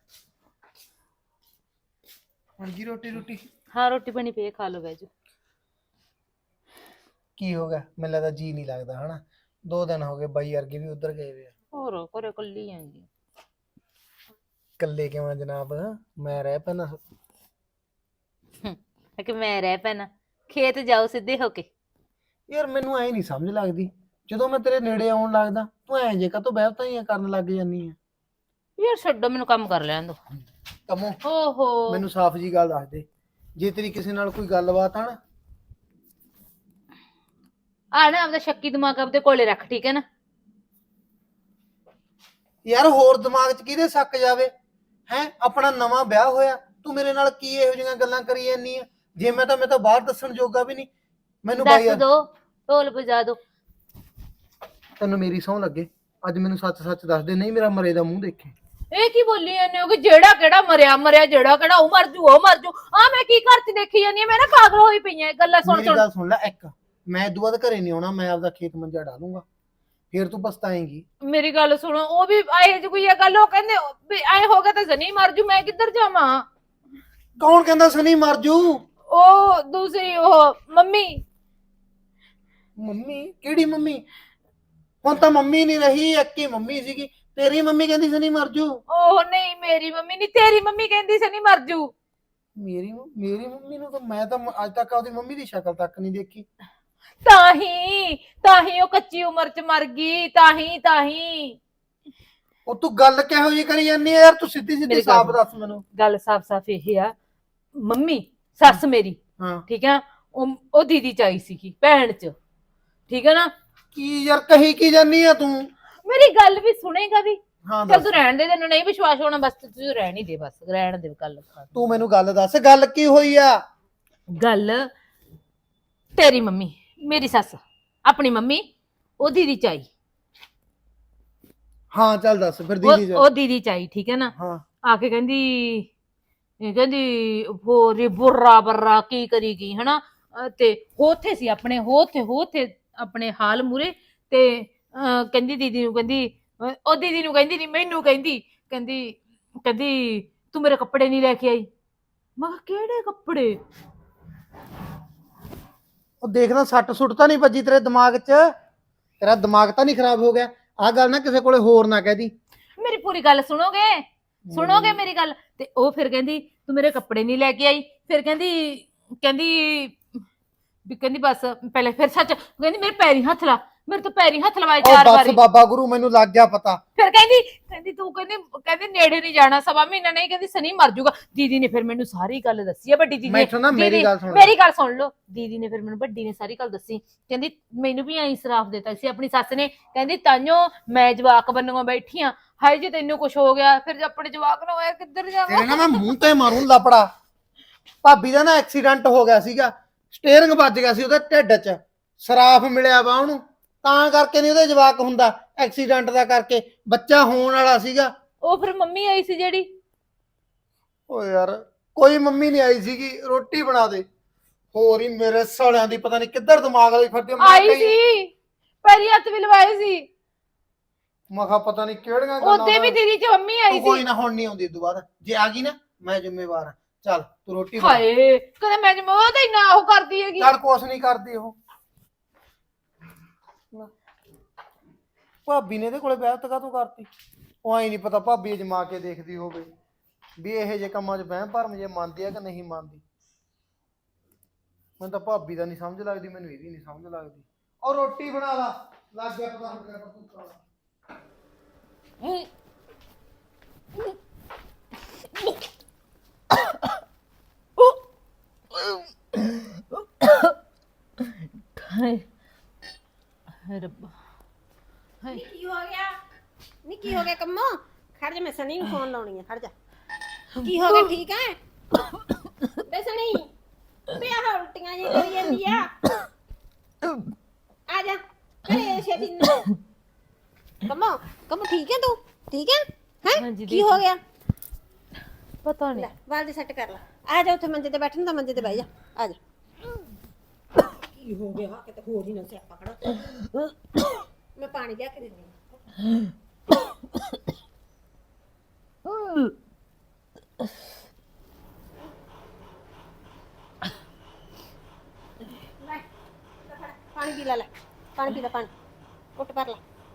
ਹਾਂਜੀ ਰੋਟੀ ਰੋਟੀ
ਹਾਂ, ਰੋਟੀ ਬਣੀ ਪਈ ਹੈ, ਖਾ ਲਓ ਬੈਜੋ।
ਕੀ ਹੋ ਗਿਆ ਮੈਨੂੰ ਲੱਗਦਾ ਜੀ ਨਹੀਂ ਲੱਗਦਾ ਹਨਾ ਦੋ ਦਿਨ ਹੋ ਗਏ ਬਾਈ ਵਰਗੇ ਵੀ ਉਧਰ ਗਏ ਵੇ ਆ
ਹੋਰ ਘਰੇ ਕੱਲੀ ਆਂਗੀ।
ਇਕੱਲੇ ਕਿਵੇਂ ਜਨਾਬ ਮੈਂ ਰਹਿ ਪੈਣਾ
ਕਿ ਮੈਂ ਰਹਿ ਪੈਣਾ, ਖੇਤ ਜਾਓ ਸਿੱਧੇ ਹੋ ਕੇ।
ਯਾਰ ਮੈਨੂੰ ਐ ਨਹੀਂ ਸਮਝ ਲੱਗਦੀ ਜਦੋਂ ਮੈਂ ਤੇਰੇ ਨੇੜੇ ਆਉਣ ਲੱਗਦਾ ਤੂੰ ਐ ਜੇ ਕਾਤੋਂ ਬਹਿਤਾ ਹੀ ਕਰਨ ਲੱਗ ਜਾਂਦੀ ਆ
ਯਾਰ ਛੱਡੋ, ਮੈਨੂੰ ਕੰਮ ਕਰ ਲੈਣ ਦੋ।
ਕਮੋ
ਓਹੋ
ਮੈਨੂੰ ਸਾਫ਼ ਜੀ ਗੱਲ ਦੱਸ ਦੇ ਜੇ ਤੇਰੀ ਕਿਸੇ ਨਾਲ ਕੋਈ ਗੱਲਬਾਤ ਆ ਨਾ
ਆ ਨਾ ਆਪਦਾ ਸ਼ੱਕੀ ਦਿਮਾਗ ਆਪਦੇ ਕੋਲੇ ਰੱਖ, ਠੀਕ ਹੈ ਨਾ?
ਯਾਰ ਹੋਰ ਦਿਮਾਗ 'ਚ ਕਿਹਦੇ ਸ਼ੱਕ ਜਾਵੇ ਹੈ ਆਪਣਾ ਨਵਾਂ ਵਿਆਹ ਹੋਇਆ ਤੂੰ ਮੇਰੇ ਨਾਲ ਕੀ ਇਹੋ ਜਿਹੀਆਂ ਗੱਲਾਂ ਕਰੀ ਜਾਂਦੀ ਆ ਜੇ ਮੈਂ ਤਾਂ ਮੈਂ ਤਾਂ ਬਾਹਰ ਦੱਸਣ ਜੋਗਾ ਵੀ ਨਹੀਂ ਮੈਨੂੰ ਬਾਈ
ਦੱਸ ਦੋ, ਢੋਲ ਵਜਾ ਦੋ।
ਤੈਨੂੰ ਮੇਰੀ ਸਹੁੰ ਲੱਗੇ ਅੱਜ ਮੈਨੂੰ ਸੱਚ ਸੱਚ ਦੱਸ ਦੇ ਨਹੀਂ ਮੇਰਾ ਮਰੇ ਦਾ ਮੂੰਹ ਦੇਖੇ
ਇਹ ਕੀ ਬੋਲੀ ਜਾਂਦੇ ਹੋ ਕਿ ਜਿਹੜਾ ਕਿਹੜਾ ਮਰਿਆ ਮਰਿਆ ਜਿਹੜਾ ਕਿਹੜਾ ਉਹ ਮਰ ਜੂ ਉਹ ਮਰ ਜੂ। ਆ ਮੈਂ ਕੀ ਘਰ ਚ ਦੇਖੀ ਜਾਂਦੀ ਆ, ਮੈਂ ਨਾ ਪਾਗਲ ਹੋਈ ਪਈ ਆ ਗੱਲਾਂ ਸੁਣ
ਮੇਰੀ
ਸੁਣ।
ਗੱਲ ਸੁਣ ਲੈ ਇੱਕ ਮੈਂ ਇਦੋਂ ਬਾਅਦ ਘਰੇ ਨਹੀਂ ਆਉਣਾ ਮੈਂ ਆਪਦਾ ਖੇਤ ਮੰਜਾ ਡਾਲੂੰਗਾ ਫੇਰ ਤੂੰ ਪਛਤਾਏਂਗੀ
ਮੇਰੀ ਗੱਲ ਸੁਣੋ, ਉਹ ਵੀ ਆਏ ਜੀ ਕੋਈ ਇਹ ਗੱਲ ਉਹ ਕਹਿੰਦੇ ਵੀ ਐ ਹੋ ਗਿਆ ਤਾਂ ਜ਼ਨੀ ਮਰ ਜੂ, ਮੈਂ ਕਿੱਧਰ ਜਾਵਾਂ?
ਕੌਣ ਕਹਿੰਦਾ ਸਨੀ ਮਰ ਜੂ
ਉਹ ਦੂਸਰੀ ਉਹ ਮੰਮੀ।
ਮੰਮੀ ਕਿਹੜੀ ਮੰਮੀ ਹੁਣ ਤਾਂ ਮੰਮੀ ਨਹੀਂ ਰਹੀ ਇੱਕ ਹੀ ਮੰਮੀ ਸੀਗੀ ਤੇਰੀ ਮੰਮੀ ਕਹਿੰਦੀ ਸਨੀ ਮਰ ਜੂ
ਉਹ ਨਹੀਂ ਮੇਰੀ ਮੰਮੀ ਨਹੀਂ, ਤੇਰੀ ਮੰਮੀ ਕਹਿੰਦੀ ਸਨੀ ਮਰ ਜੂ।
ਮੇਰੀ ਮੇਰੀ ਮੰਮੀ ਨੂੰ ਤਾਂ ਮੈਂ ਤਾਂ ਅੱਜ ਤੱਕ ਆਪਦੀ ਮੰਮੀ ਦੀ ਸ਼ਕਲ ਤੱਕ ਨਹੀਂ ਦੇਖੀ
ਤਾਂ ਹੀ ਤਾਂ ਹੀ ਉਹ ਕੱਚੀ ਉਮਰ ਚ ਮਰ ਗਈ, ਤਾਂ ਹੀ ਤਾਂ ਹੀ।
ਉਹ ਤੂੰ ਗੱਲ ਕਿਹੋ ਜਿਹੀ ਕਰੀ ਜਾਂਦੀ ਆ ਯਾਰ ਤੂੰ ਸਿੱਧੀ ਸਿੱਧੀ
ਮੇਰੀ ਗੱਲ
ਸਾਫ਼
ਸੁਣ।
ਦੱਸ ਮੈਨੂੰ
ਗੱਲ ਸਾਫ਼ ਸਾਫ਼ ਇਹ ਆ, ਮੰਮੀ ਸੱਸ ਮੇਰੀ,
ਹਾਂ
ਠੀਕ ਆ, ਉਹ ਉਹ ਦੀਦੀ ਚ ਆਈ ਸੀਗੀ ਭੈਣ ਚ, ਠੀਕ ਹੈ ਨਾ?
ਕੀ ਯਾਰ ਕਹੀ ਕੀ ਜਾਂਦੀ ਆ ਤੂੰ
ਮੇਰੀ ਗੱਲ ਵੀ ਸੁਣੇਗਾ ਵੀ?
ਹਾਂ
ਚੱਲ
ਦੱਸ
ਤੂੰ ਰਹਿਣ ਦੇ, ਤੈਨੂੰ ਨਹੀਂ ਵਿਸ਼ਵਾਸ ਹੋਣਾ ਬਸ ਤੂੰ ਰਹਿਣ ਹੀ ਦੇ, ਬਸ ਰਹਿਣ ਦੇ ਗੱਲ।
ਤੂੰ ਮੈਨੂੰ ਗੱਲ ਦੱਸ ਗੱਲ ਕੀ ਹੋਈ ਆ
ਗੱਲ ਤੇਰੀ ਮੰਮੀ ਮੇਰੀ ਸੱਸ ਆਪਣੀ ਮੰਮੀ ਉਹ ਦੀਦੀ ਚ ਆਈ,
ਹਾਂ ਚੱਲ ਦੱਸ ਫਿਰ
ਉਹ
ਦੀਦੀ
ਉਹ ਦੀਦੀ ਚ ਆਈ, ਠੀਕ ਹੈ ਨਾ?
ਹਾਂ
ਆ ਕੇ ਕਹਿੰਦੀ ਇਹ ਕਹਿੰਦੀ ਹੋਰੀ ਬੁర్రా ਬਰਰਾ ਕੀ ਕਰੀ ਗਈ ਹਨਾ, ਅਹ ਤੇ ਹੋਥੇ ਸੀ ਆਪਣੇ ਹੋਥੇ ਹੋਥੇ ਆਪਣੇ ਹਾਲ ਮੂਰੇ ਤੇ ਅਹ ਕਹਿੰਦੀ ਦੀਦੀ ਨੂੰ ਕਹਿੰਦੀ ਅਹ ਉਹ ਦੀਦੀ ਨੂੰ ਕਹਿੰਦੀ ਨਹੀਂ ਮੈਨੂੰ ਕਹਿੰਦੀ ਕਹਿੰਦੀ ਕਹਿੰਦੀ ਤੂੰ ਮੇਰੇ ਕੱਪੜੇ ਨਹੀਂ ਲੈ ਕੇ ਆਈ। ਮੈਂ ਕਿਹਾ ਕਿਹੜੇ ਕੱਪੜੇ?
ਉਹ ਦੇਖਦਾ ਸੱਟ ਸੁੱਟ ਤਾਂ ਨਹੀਂ ਵੱਜੀ ਤੇਰੇ ਦਿਮਾਗ 'ਚ ਤੇਰਾ ਦਿਮਾਗ ਤਾਂ ਨਹੀਂ ਖਰਾਬ ਹੋ ਗਿਆ ਆਹ ਗੱਲ ਨਾ ਕਿਸੇ ਕੋਲੇ ਹੋਰ ਨਾ ਕਹਿਦੀ
ਮੇਰੀ ਪੂਰੀ ਗੱਲ ਸੁਣੋਗੇ? ਸੁਣੋਗੇ ਮੇਰੀ ਗੱਲ? ਤੇ ਉਹ ਫਿਰ ਕਹਿੰਦੀ ਤੂੰ ਮੇਰੇ ਕੱਪੜੇ ਨਹੀਂ ਲੈ ਕੇ ਆਈ, ਫਿਰ ਕਹਿੰਦੀ ਕਹਿੰਦੀ ਵੀ ਕਹਿੰਦੀ ਬਸ ਪਹਿਲੇ ਫਿਰ ਸੱਚ ਕਹਿੰਦੀ ਮੇਰੇ ਪੈਰੀ ਹੱਥ ਲਾ, ਮੇਰੇ ਤੋਂ ਪੈਰੀ ਹੱਥ ਲਵਾਏ
ਉਹ
ਚਾਰ
ਬਸ
ਵਾਰੀ।
ਬਾਬਾ ਗੁਰੂ ਮੈਨੂੰ ਲੱਗ ਗਿਆ ਪਤਾ।
ਫਿਰ ਕਹਿੰਦੀ ਕਹਿੰਦੀ ਤੂੰ ਕਹਿੰਦੀ ਕਹਿੰਦੀ ਨੇੜੇ ਨਹੀਂ ਜਾਣਾ, ਸਵਾ ਮਹੀਨਾ ਨਹੀਂ, ਕਹਿੰਦੀ ਸਨੀ ਮਰ ਜਾਊਗਾ। ਦੀਦੀ ਨੇ ਫਿਰ ਮੈਨੂੰ ਸਾਰੀ ਗੱਲ ਦੱਸੀ ਆ, ਵੱਡੀ ਦੀਦੀ ਨੇ।
ਮੈਥੋਂ ਨਾ ਮੇਰੀ
ਦੀਦੀ-
ਗੱਲ ਸੁਣ ਲੈ।
ਮੇਰੀ ਗੱਲ ਸੁਣ ਲਓ, ਦੀਦੀ ਨੇ ਫਿਰ ਮੈਨੂੰ ਵੱਡੀ ਨੇ ਸਾਰੀ ਗੱਲ ਦੱਸੀ। ਕਹਿੰਦੀ ਮੈਨੂੰ ਵੀ ਐਂ ਸਰਾਫ ਦਿੱਤਾ ਸੀ ਆਪਣੀ ਸੱਸ ਨੇ, ਕਹਿੰਦੀ ਤਾਈਓ ਮੈਂ ਜਵਾਕ ਬੰਨੂ ਬੈਠੀ ਆ, ਹਾਏ ਜੇ ਤੈਨੂੰ ਕੁਝ ਹੋ ਗਿਆ ਫਿਰ ਜੇ ਆਪਣੇ ਜਵਾਕ ਨਾ ਹੋਇਆ ਕਿੱਧਰ ਜਾਵਾਂ।
ਤੇਰੇ ਨਾ ਮੈਂ ਮੂੰਹ ਤੇ ਮਾਰੂੰ ਲਪੜਾ। ਭਾਬੀ ਦਾ ਨਾ ਐਕਸੀਡੈਂਟ ਹੋ ਗਿਆ ਸੀਗਾ, ਸਟੀਅਰਿੰਗ ਵੱਜ ਗਿਆ ਸੀ ਉਹਦੇ ਢਿੱਡ 'ਚ, ਸਰਾਫ ਮਿਲਿਆ ਵਾ ਉਹਨੂੰ, ਤਾਂ ਕਰਕੇ ਨਹੀਂ ਉਹਦੇ ਜਵਾਕ ਹੁੰਦਾ, ਐਕਸੀਡੈਂਟ ਦਾ ਕਰਕੇ ਬੱਚਾ ਹੋਣ ਵਾਲਾ ਸੀਗਾ।
ਉਹ ਫਿਰ ਮੰਮੀ ਆਈ ਸੀ ਜਿਹੜੀ।
ਓ ਯਾਰ ਕੋਈ ਮੰਮੀ ਨਹੀਂ ਆਈ ਸੀਗੀ, ਰੋਟੀ ਬਣਾ ਦੇ। ਹੋਰ ਹੀ ਮੇਰੇ ਸਾਲਿਆਂ ਦੀ ਪਤਾ ਨਹੀਂ ਕਿੱਧਰ ਦਿਮਾਗ ਵਾਲੀ ਫਿਰਦੀ ਆ। ਮੈਂ
ਆਈ
ਕਹੀ-
ਸੀ, ਪੈਰੀ ਹੱਥ ਵੀ ਲਵਾਏ ਸੀ।
ਮੈਂ ਕਿਹਾ ਪਤਾ ਨਹੀਂ ਕਿਹੜੀਆਂ
ਉਹਦੇ ਵੀ ਦੀਦੀ ਚ ਮੰਮੀ ਆਈ
ਤੂੰ ਕੋਈ
ਸੀ।
ਨਾ ਹੁਣ ਨਹੀਂ ਆਉਂਦੀ ਇਸ ਤੋਂ ਬਾਅਦ, ਜੇ ਆ ਗਈ ਨਾ ਮੈਂ ਜ਼ਿੰਮੇਵਾਰ ਹਾਂ। ਚੱਲ ਤੂੰ ਰੋਟੀ ਬਣਾ।
ਹਾਏ ਕਦੇ ਮੈਂ ਜਮ ਉਹ ਤਾਂ ਇੰਨਾ ਉਹ ਕਰਦੀ ਹੈਗੀ।
ਚੱਲ ਕੁਛ ਨਹੀਂ ਕਰਦੀ ਉਹ। ਭਾਬੀ ਨੇ ਇਹਦੇ ਕੋਲੇ ਬਹਿਤ ਕਾ ਤੂੰ ਕਰਤੀ? ਉਹ ਆਈ ਨਹੀਂ ਪਤਾ ਭਾਬੀ ਅਜਮਾ ਕੇ ਦੇਖਦੀ ਹੋਵੇ ਵੀ ਇਹੋ ਜਿਹੇ ਕੰਮਾਂ 'ਚ ਵਹਿਮ ਭਰਮ ਜੇ ਮੰਨਦੀ ਆ ਕਿ ਨਹੀਂ ਮੰਨਦੀ। ਮੈਨੂੰ ਤਾਂ ਭਾਬੀ ਦਾ ਨਹੀਂ ਸਮਝ ਲੱਗਦੀ, ਮੈਨੂੰ ਇਹਦੀ ਨਹੀਂ ਸਮਝ ਲੱਗਦੀ। ਔਰ ਰੋਟੀ ਬਣਾ ਲਾ, ਲੱਗ ਗਿਆ ਪਤਾ ਹੁਣ ਤੂੰ ਕਰ।
ਹਾਏ ਹਾਏ ਰੱਬਾ ਹਾਏ।
ਨੀ ਕੀ ਹੋ ਗਿਆ? ਨੀ ਕੀ ਹੋ ਗਿਆ ਕੰਮੋ? ਖੜ ਜਾ, ਮੈਂ ਸਨੀ ਨੂੰ ਫੋਨ ਲਾਉਣੀ ਆ, ਖੜ ਜਾ। ਕੀ ਹੋ ਗਿਆ? ਠੀਕ ਹੈ ਬੇ ਸਨੀ? ਬੇ ਆਹ ਉਲਟੀਆਂ ਜੀ ਕਰੀ ਜਾਂਦੀ ਆ, ਆ ਜਾ ਘਰੇ ਛੇਤੀ ਨੂੰ। ਕੰਮੋ ਕੰਮੋ ਠੀਕ ਹੈ ਤੂੰ? ਠੀਕ ਹੈ ਹੈ?
ਹਾਂਜੀ,
ਕੀ ਹੋ ਗਿਆ?
ਪਤਾ ਨਹੀਂ।
ਲੈ ਵਾਲ ਦੇ ਸੈੱਟ ਕਰ ਲੈ। ਆ ਜਾ ਉੱਥੇ ਮੰਜੇ ਤੇ ਬੈਠਣ ਦਾ, ਮੰਜੇ ਤੇ ਬਹਿ ਜਾ, ਆ ਜਾ। ਕੀ ਹੋ ਗਿਆ? ਕਿਤੇ ਹੋਰ ਹੀ ਨਾ ਸਿਆਪਾ ਖੜਾ। ਮੈਂ ਪਾਣੀ ਲਿਆ ਕੇ ਦਿੰਦੀ ਹਾਂ। ਲੈ, ਪਾਣੀ ਪੀ ਲੈ, ਲੈ ਪਾਣੀ ਪੀ ਲੈ, ਪਾਣੀ ਉੱਠ ਭਰ ਲੈ।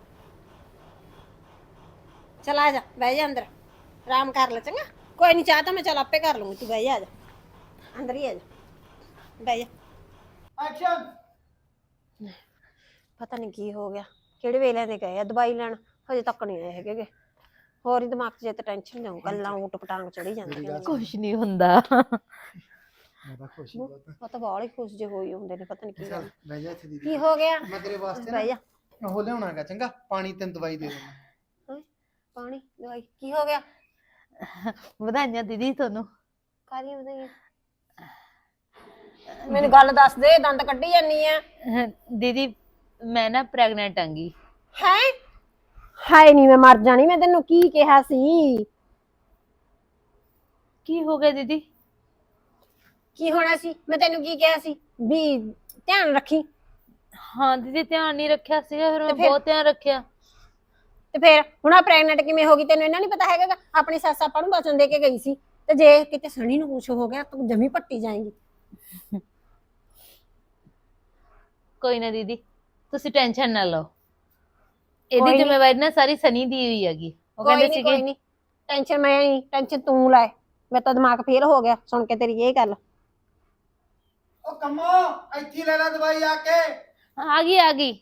ਚਲ ਆ ਜਾ, ਬਹਿ ਜਾ ਅੰਦਰ, ਆਰਾਮ ਕਰ ਲੈ ਚੰਗਾ। ਕੋਈ ਨਹੀਂ, ਚਾਹ ਤਾਂ ਮੈਂ ਚੱਲ ਆਪੇ ਕਰ ਲੂੰਗੀ, ਤੂੰ ਬਹਿ ਜਾ, ਆ ਜਾ ਅੰਦਰ ਹੀ ਆ ਜਾ, ਬਹਿ ਜਾ।
ਐਕਸ਼ਨ।
ਪਤਾ ਨਹੀਂ ਕੀ ਹੋ ਗਿਆ, ਕਿਹੜੇ ਵੇਲੇ ਦੇ ਗਏ ਆ ਦਵਾਈ ਲੈਣ, ਹਜੇ ਤੱਕ ਨਹੀਂ ਆਏ ਹੈਗੇ। ਹੋਰ ਹੀ ਦਿਮਾਗ 'ਚ ਜੇ ਤਾਂ ਟੈਨਸ਼ਨ ਜਾਊ, ਗੱਲਾਂ ਊਟ ਪਟਾਂਗ ਚੜੀ ਜਾਂਦੀਆਂ ਨੇ।
ਕੁਛ ਨਹੀਂ ਹੁੰਦਾ।
ਮੈਂ ਤਾਂ ਖੁਸ਼ੀ ਬਹੁਤ।
ਉਹ ਤਾਂ ਬਾਹਲੇ ਖੁਸ਼ ਜੇ ਹੋਈ ਹੁੰਦੇ ਨੇ, ਪਤਾ ਨਹੀਂ ਕੀ ਗੱਲ।
ਬਹਿ ਜਾ ਇੱਥੇ ਦੀਦੀ,
ਕੀ ਹੋ ਗਿਆ?
ਮੈਂ ਤੇਰੇ ਵਾਸਤੇ
ਬਹਿ ਜਾ।
ਨਾ ਉਹ ਲਿਆਉਣਾਗਾ, ਚੰਗਾ ਪਾਣੀ ਤੈਨੂੰ ਦਵਾਈ ਦੇ ਦੇਣਾ।
ਪਾਣੀ ਦਵਾਈ ਕੀ ਹੋ ਗਿਆ?
ਵਧਾਈਆਂ ਦੀਦੀ ਤੁਹਾਨੂੰ।
ਕਾਹਦੀਆਂ ਵਧਾਈਆਂ? ਮੈਨੂੰ ਗੱਲ ਦੱਸ ਦੇ, ਦੰਦ ਕੱਢੀ ਜਾਨੀ ਆ।
ਦੀਦੀ ਮੈਂ ਨਾ ਪ੍ਰੈਗਨੈਂਟ ਆਂਗੀ।
ਹੈ? ਹਾਏ ਨਹੀਂ, ਮੈਂ ਮਰ ਜਾਣੀ। ਮੈਂ ਤੈਨੂੰ ਕੀ ਕਿਹਾ ਸੀ?
ਕੀ ਹੋ ਗਿਆ ਦੀਦੀ?
ਕੀ ਹੋਣਾ ਸੀ? ਮੈਂ ਤੈਨੂੰ ਕੀ ਕਿਹਾ ਸੀ ਵੀ ਧਿਆਨ ਰੱਖੀ?
ਹਾਂ ਦੀਦੀ ਧਿਆਨ ਨਹੀਂ ਰੱਖਿਆ ਸੀਗਾ, ਫਿਰ ਮੈਂ
ਤੇ ਫਿਰ?
ਬਹੁਤ ਧਿਆਨ ਰੱਖਿਆ।
ਤੇ ਫਿਰ ਹੁਣ ਆ ਪ੍ਰੈਗਨੈਂਟ ਕਿਵੇਂ ਹੋ ਗਈ? ਤੈਨੂੰ ਇਹਨਾਂ ਨਹੀਂ ਪਤਾ ਹੈਗਾ ਗਾ? ਆਪਣੀ ਸੱਸ ਆਪਾਂ ਨੂੰ ਵਚਨ ਦੇ ਕੇ ਗਈ ਸੀ, ਤੇ ਜੇ ਕਿਤੇ ਸਣੀ ਨੂੰ ਕੁਛ ਹੋ ਗਿਆ ਤੂੰ ਜਮੀ ਪੱਟੀ ਜਾਏਂਗੀ।
ਕੋਈ ਨਾ ਦੀਦੀ ਤੁਸੀਂ ਟੈਨਸ਼ਨ ਨਾ ਲਓ,
ਕੋਈ
ਇਹਦੀ
ਨੀ।
ਜ਼ਿੰਮੇਵਾਰੀ ਨਾ ਸਾਰੀ ਸਨੀ ਦੀ ਹੋਈ ਹੈਗੀ। ਉਹ
ਕੋਈ
ਕਹਿੰਦੇ
ਨਹੀਂ ਕੋਈ
ਸੀਗੇ
ਨਹੀਂ, ਟੈਨਸ਼ਨ ਮੈਂ ਨਹੀਂ, ਟੈਨਸ਼ਨ ਤੂੰ ਲੈ। ਮੇਰਾ ਤਾਂ ਦਿਮਾਗ ਫੇਲ ਹੋ ਗਿਆ ਸੁਣ ਕੇ ਤੇਰੀ ਇਹ ਗੱਲ।
ਉਹ ਕੰਮੋ ਇੱਥੇ ਹੀ ਲੈ ਲੈ ਦਵਾਈ ਆ ਕੇ।
ਆ ਗਈ ਆ ਗਈ।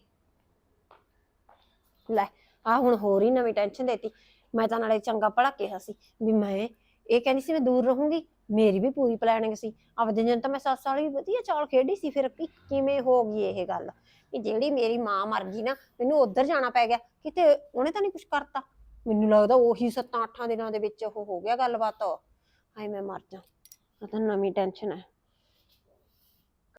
ਲੈ ਆ ਹੁਣ ਹੋਰ ਹੀ ਨਵੀਂ ਟੈਨਸ਼ਨ ਦੇਤੀ। ਮੈਂ ਤਾਂ ਨਾਲੇ ਚੰਗਾ ਭਲਾ ਕਿਹਾ ਸੀ ਵੀ ਮੈਂ ਇਹ ਕਹਿੰਦੀ ਸੀ ਮੈਂ ਦੂਰ ਰਹੂੰਗੀ, ਮੇਰੀ ਵੀ ਪੂਰੀ ਪਲੈਨਿੰਗ ਸੀ। ਆਪਦੇ ਜਨ ਤਾਂ ਮੈਂ ਸੱਸ ਵਾਲੀ ਵਧੀਆ ਚਾਲ ਖੇਡੀ ਸੀ, ਫਿਰ ਕੀ ਕਿਵੇਂ ਹੋ ਗਈ ਇਹ ਗੱਲ ਕਿ ਜਿਹੜੀ ਮੇਰੀ ਮਾਂ ਮਰ ਗਈ ਨਾ, ਮੈਨੂੰ ਉੱਧਰ ਜਾਣਾ ਪੈ ਗਿਆ। ਕਿਤੇ ਉਹਨੇ ਤਾਂ ਨਹੀਂ ਕੁਛ ਕਰਤਾ? ਮੈਨੂੰ ਲੱਗਦਾ ਉਹੀ ਸੱਤਾਂ ਅੱਠਾਂ ਦਿਨਾਂ ਦੇ ਵਿੱਚ ਉਹ ਹੋ ਗਿਆ ਗੱਲਬਾਤ। ਹਾਏ ਮੈਂ ਮਰ ਜਾ, ਇਹ ਤਾਂ ਨਵੀਂ ਟੈਨਸ਼ਨ ਹੈ।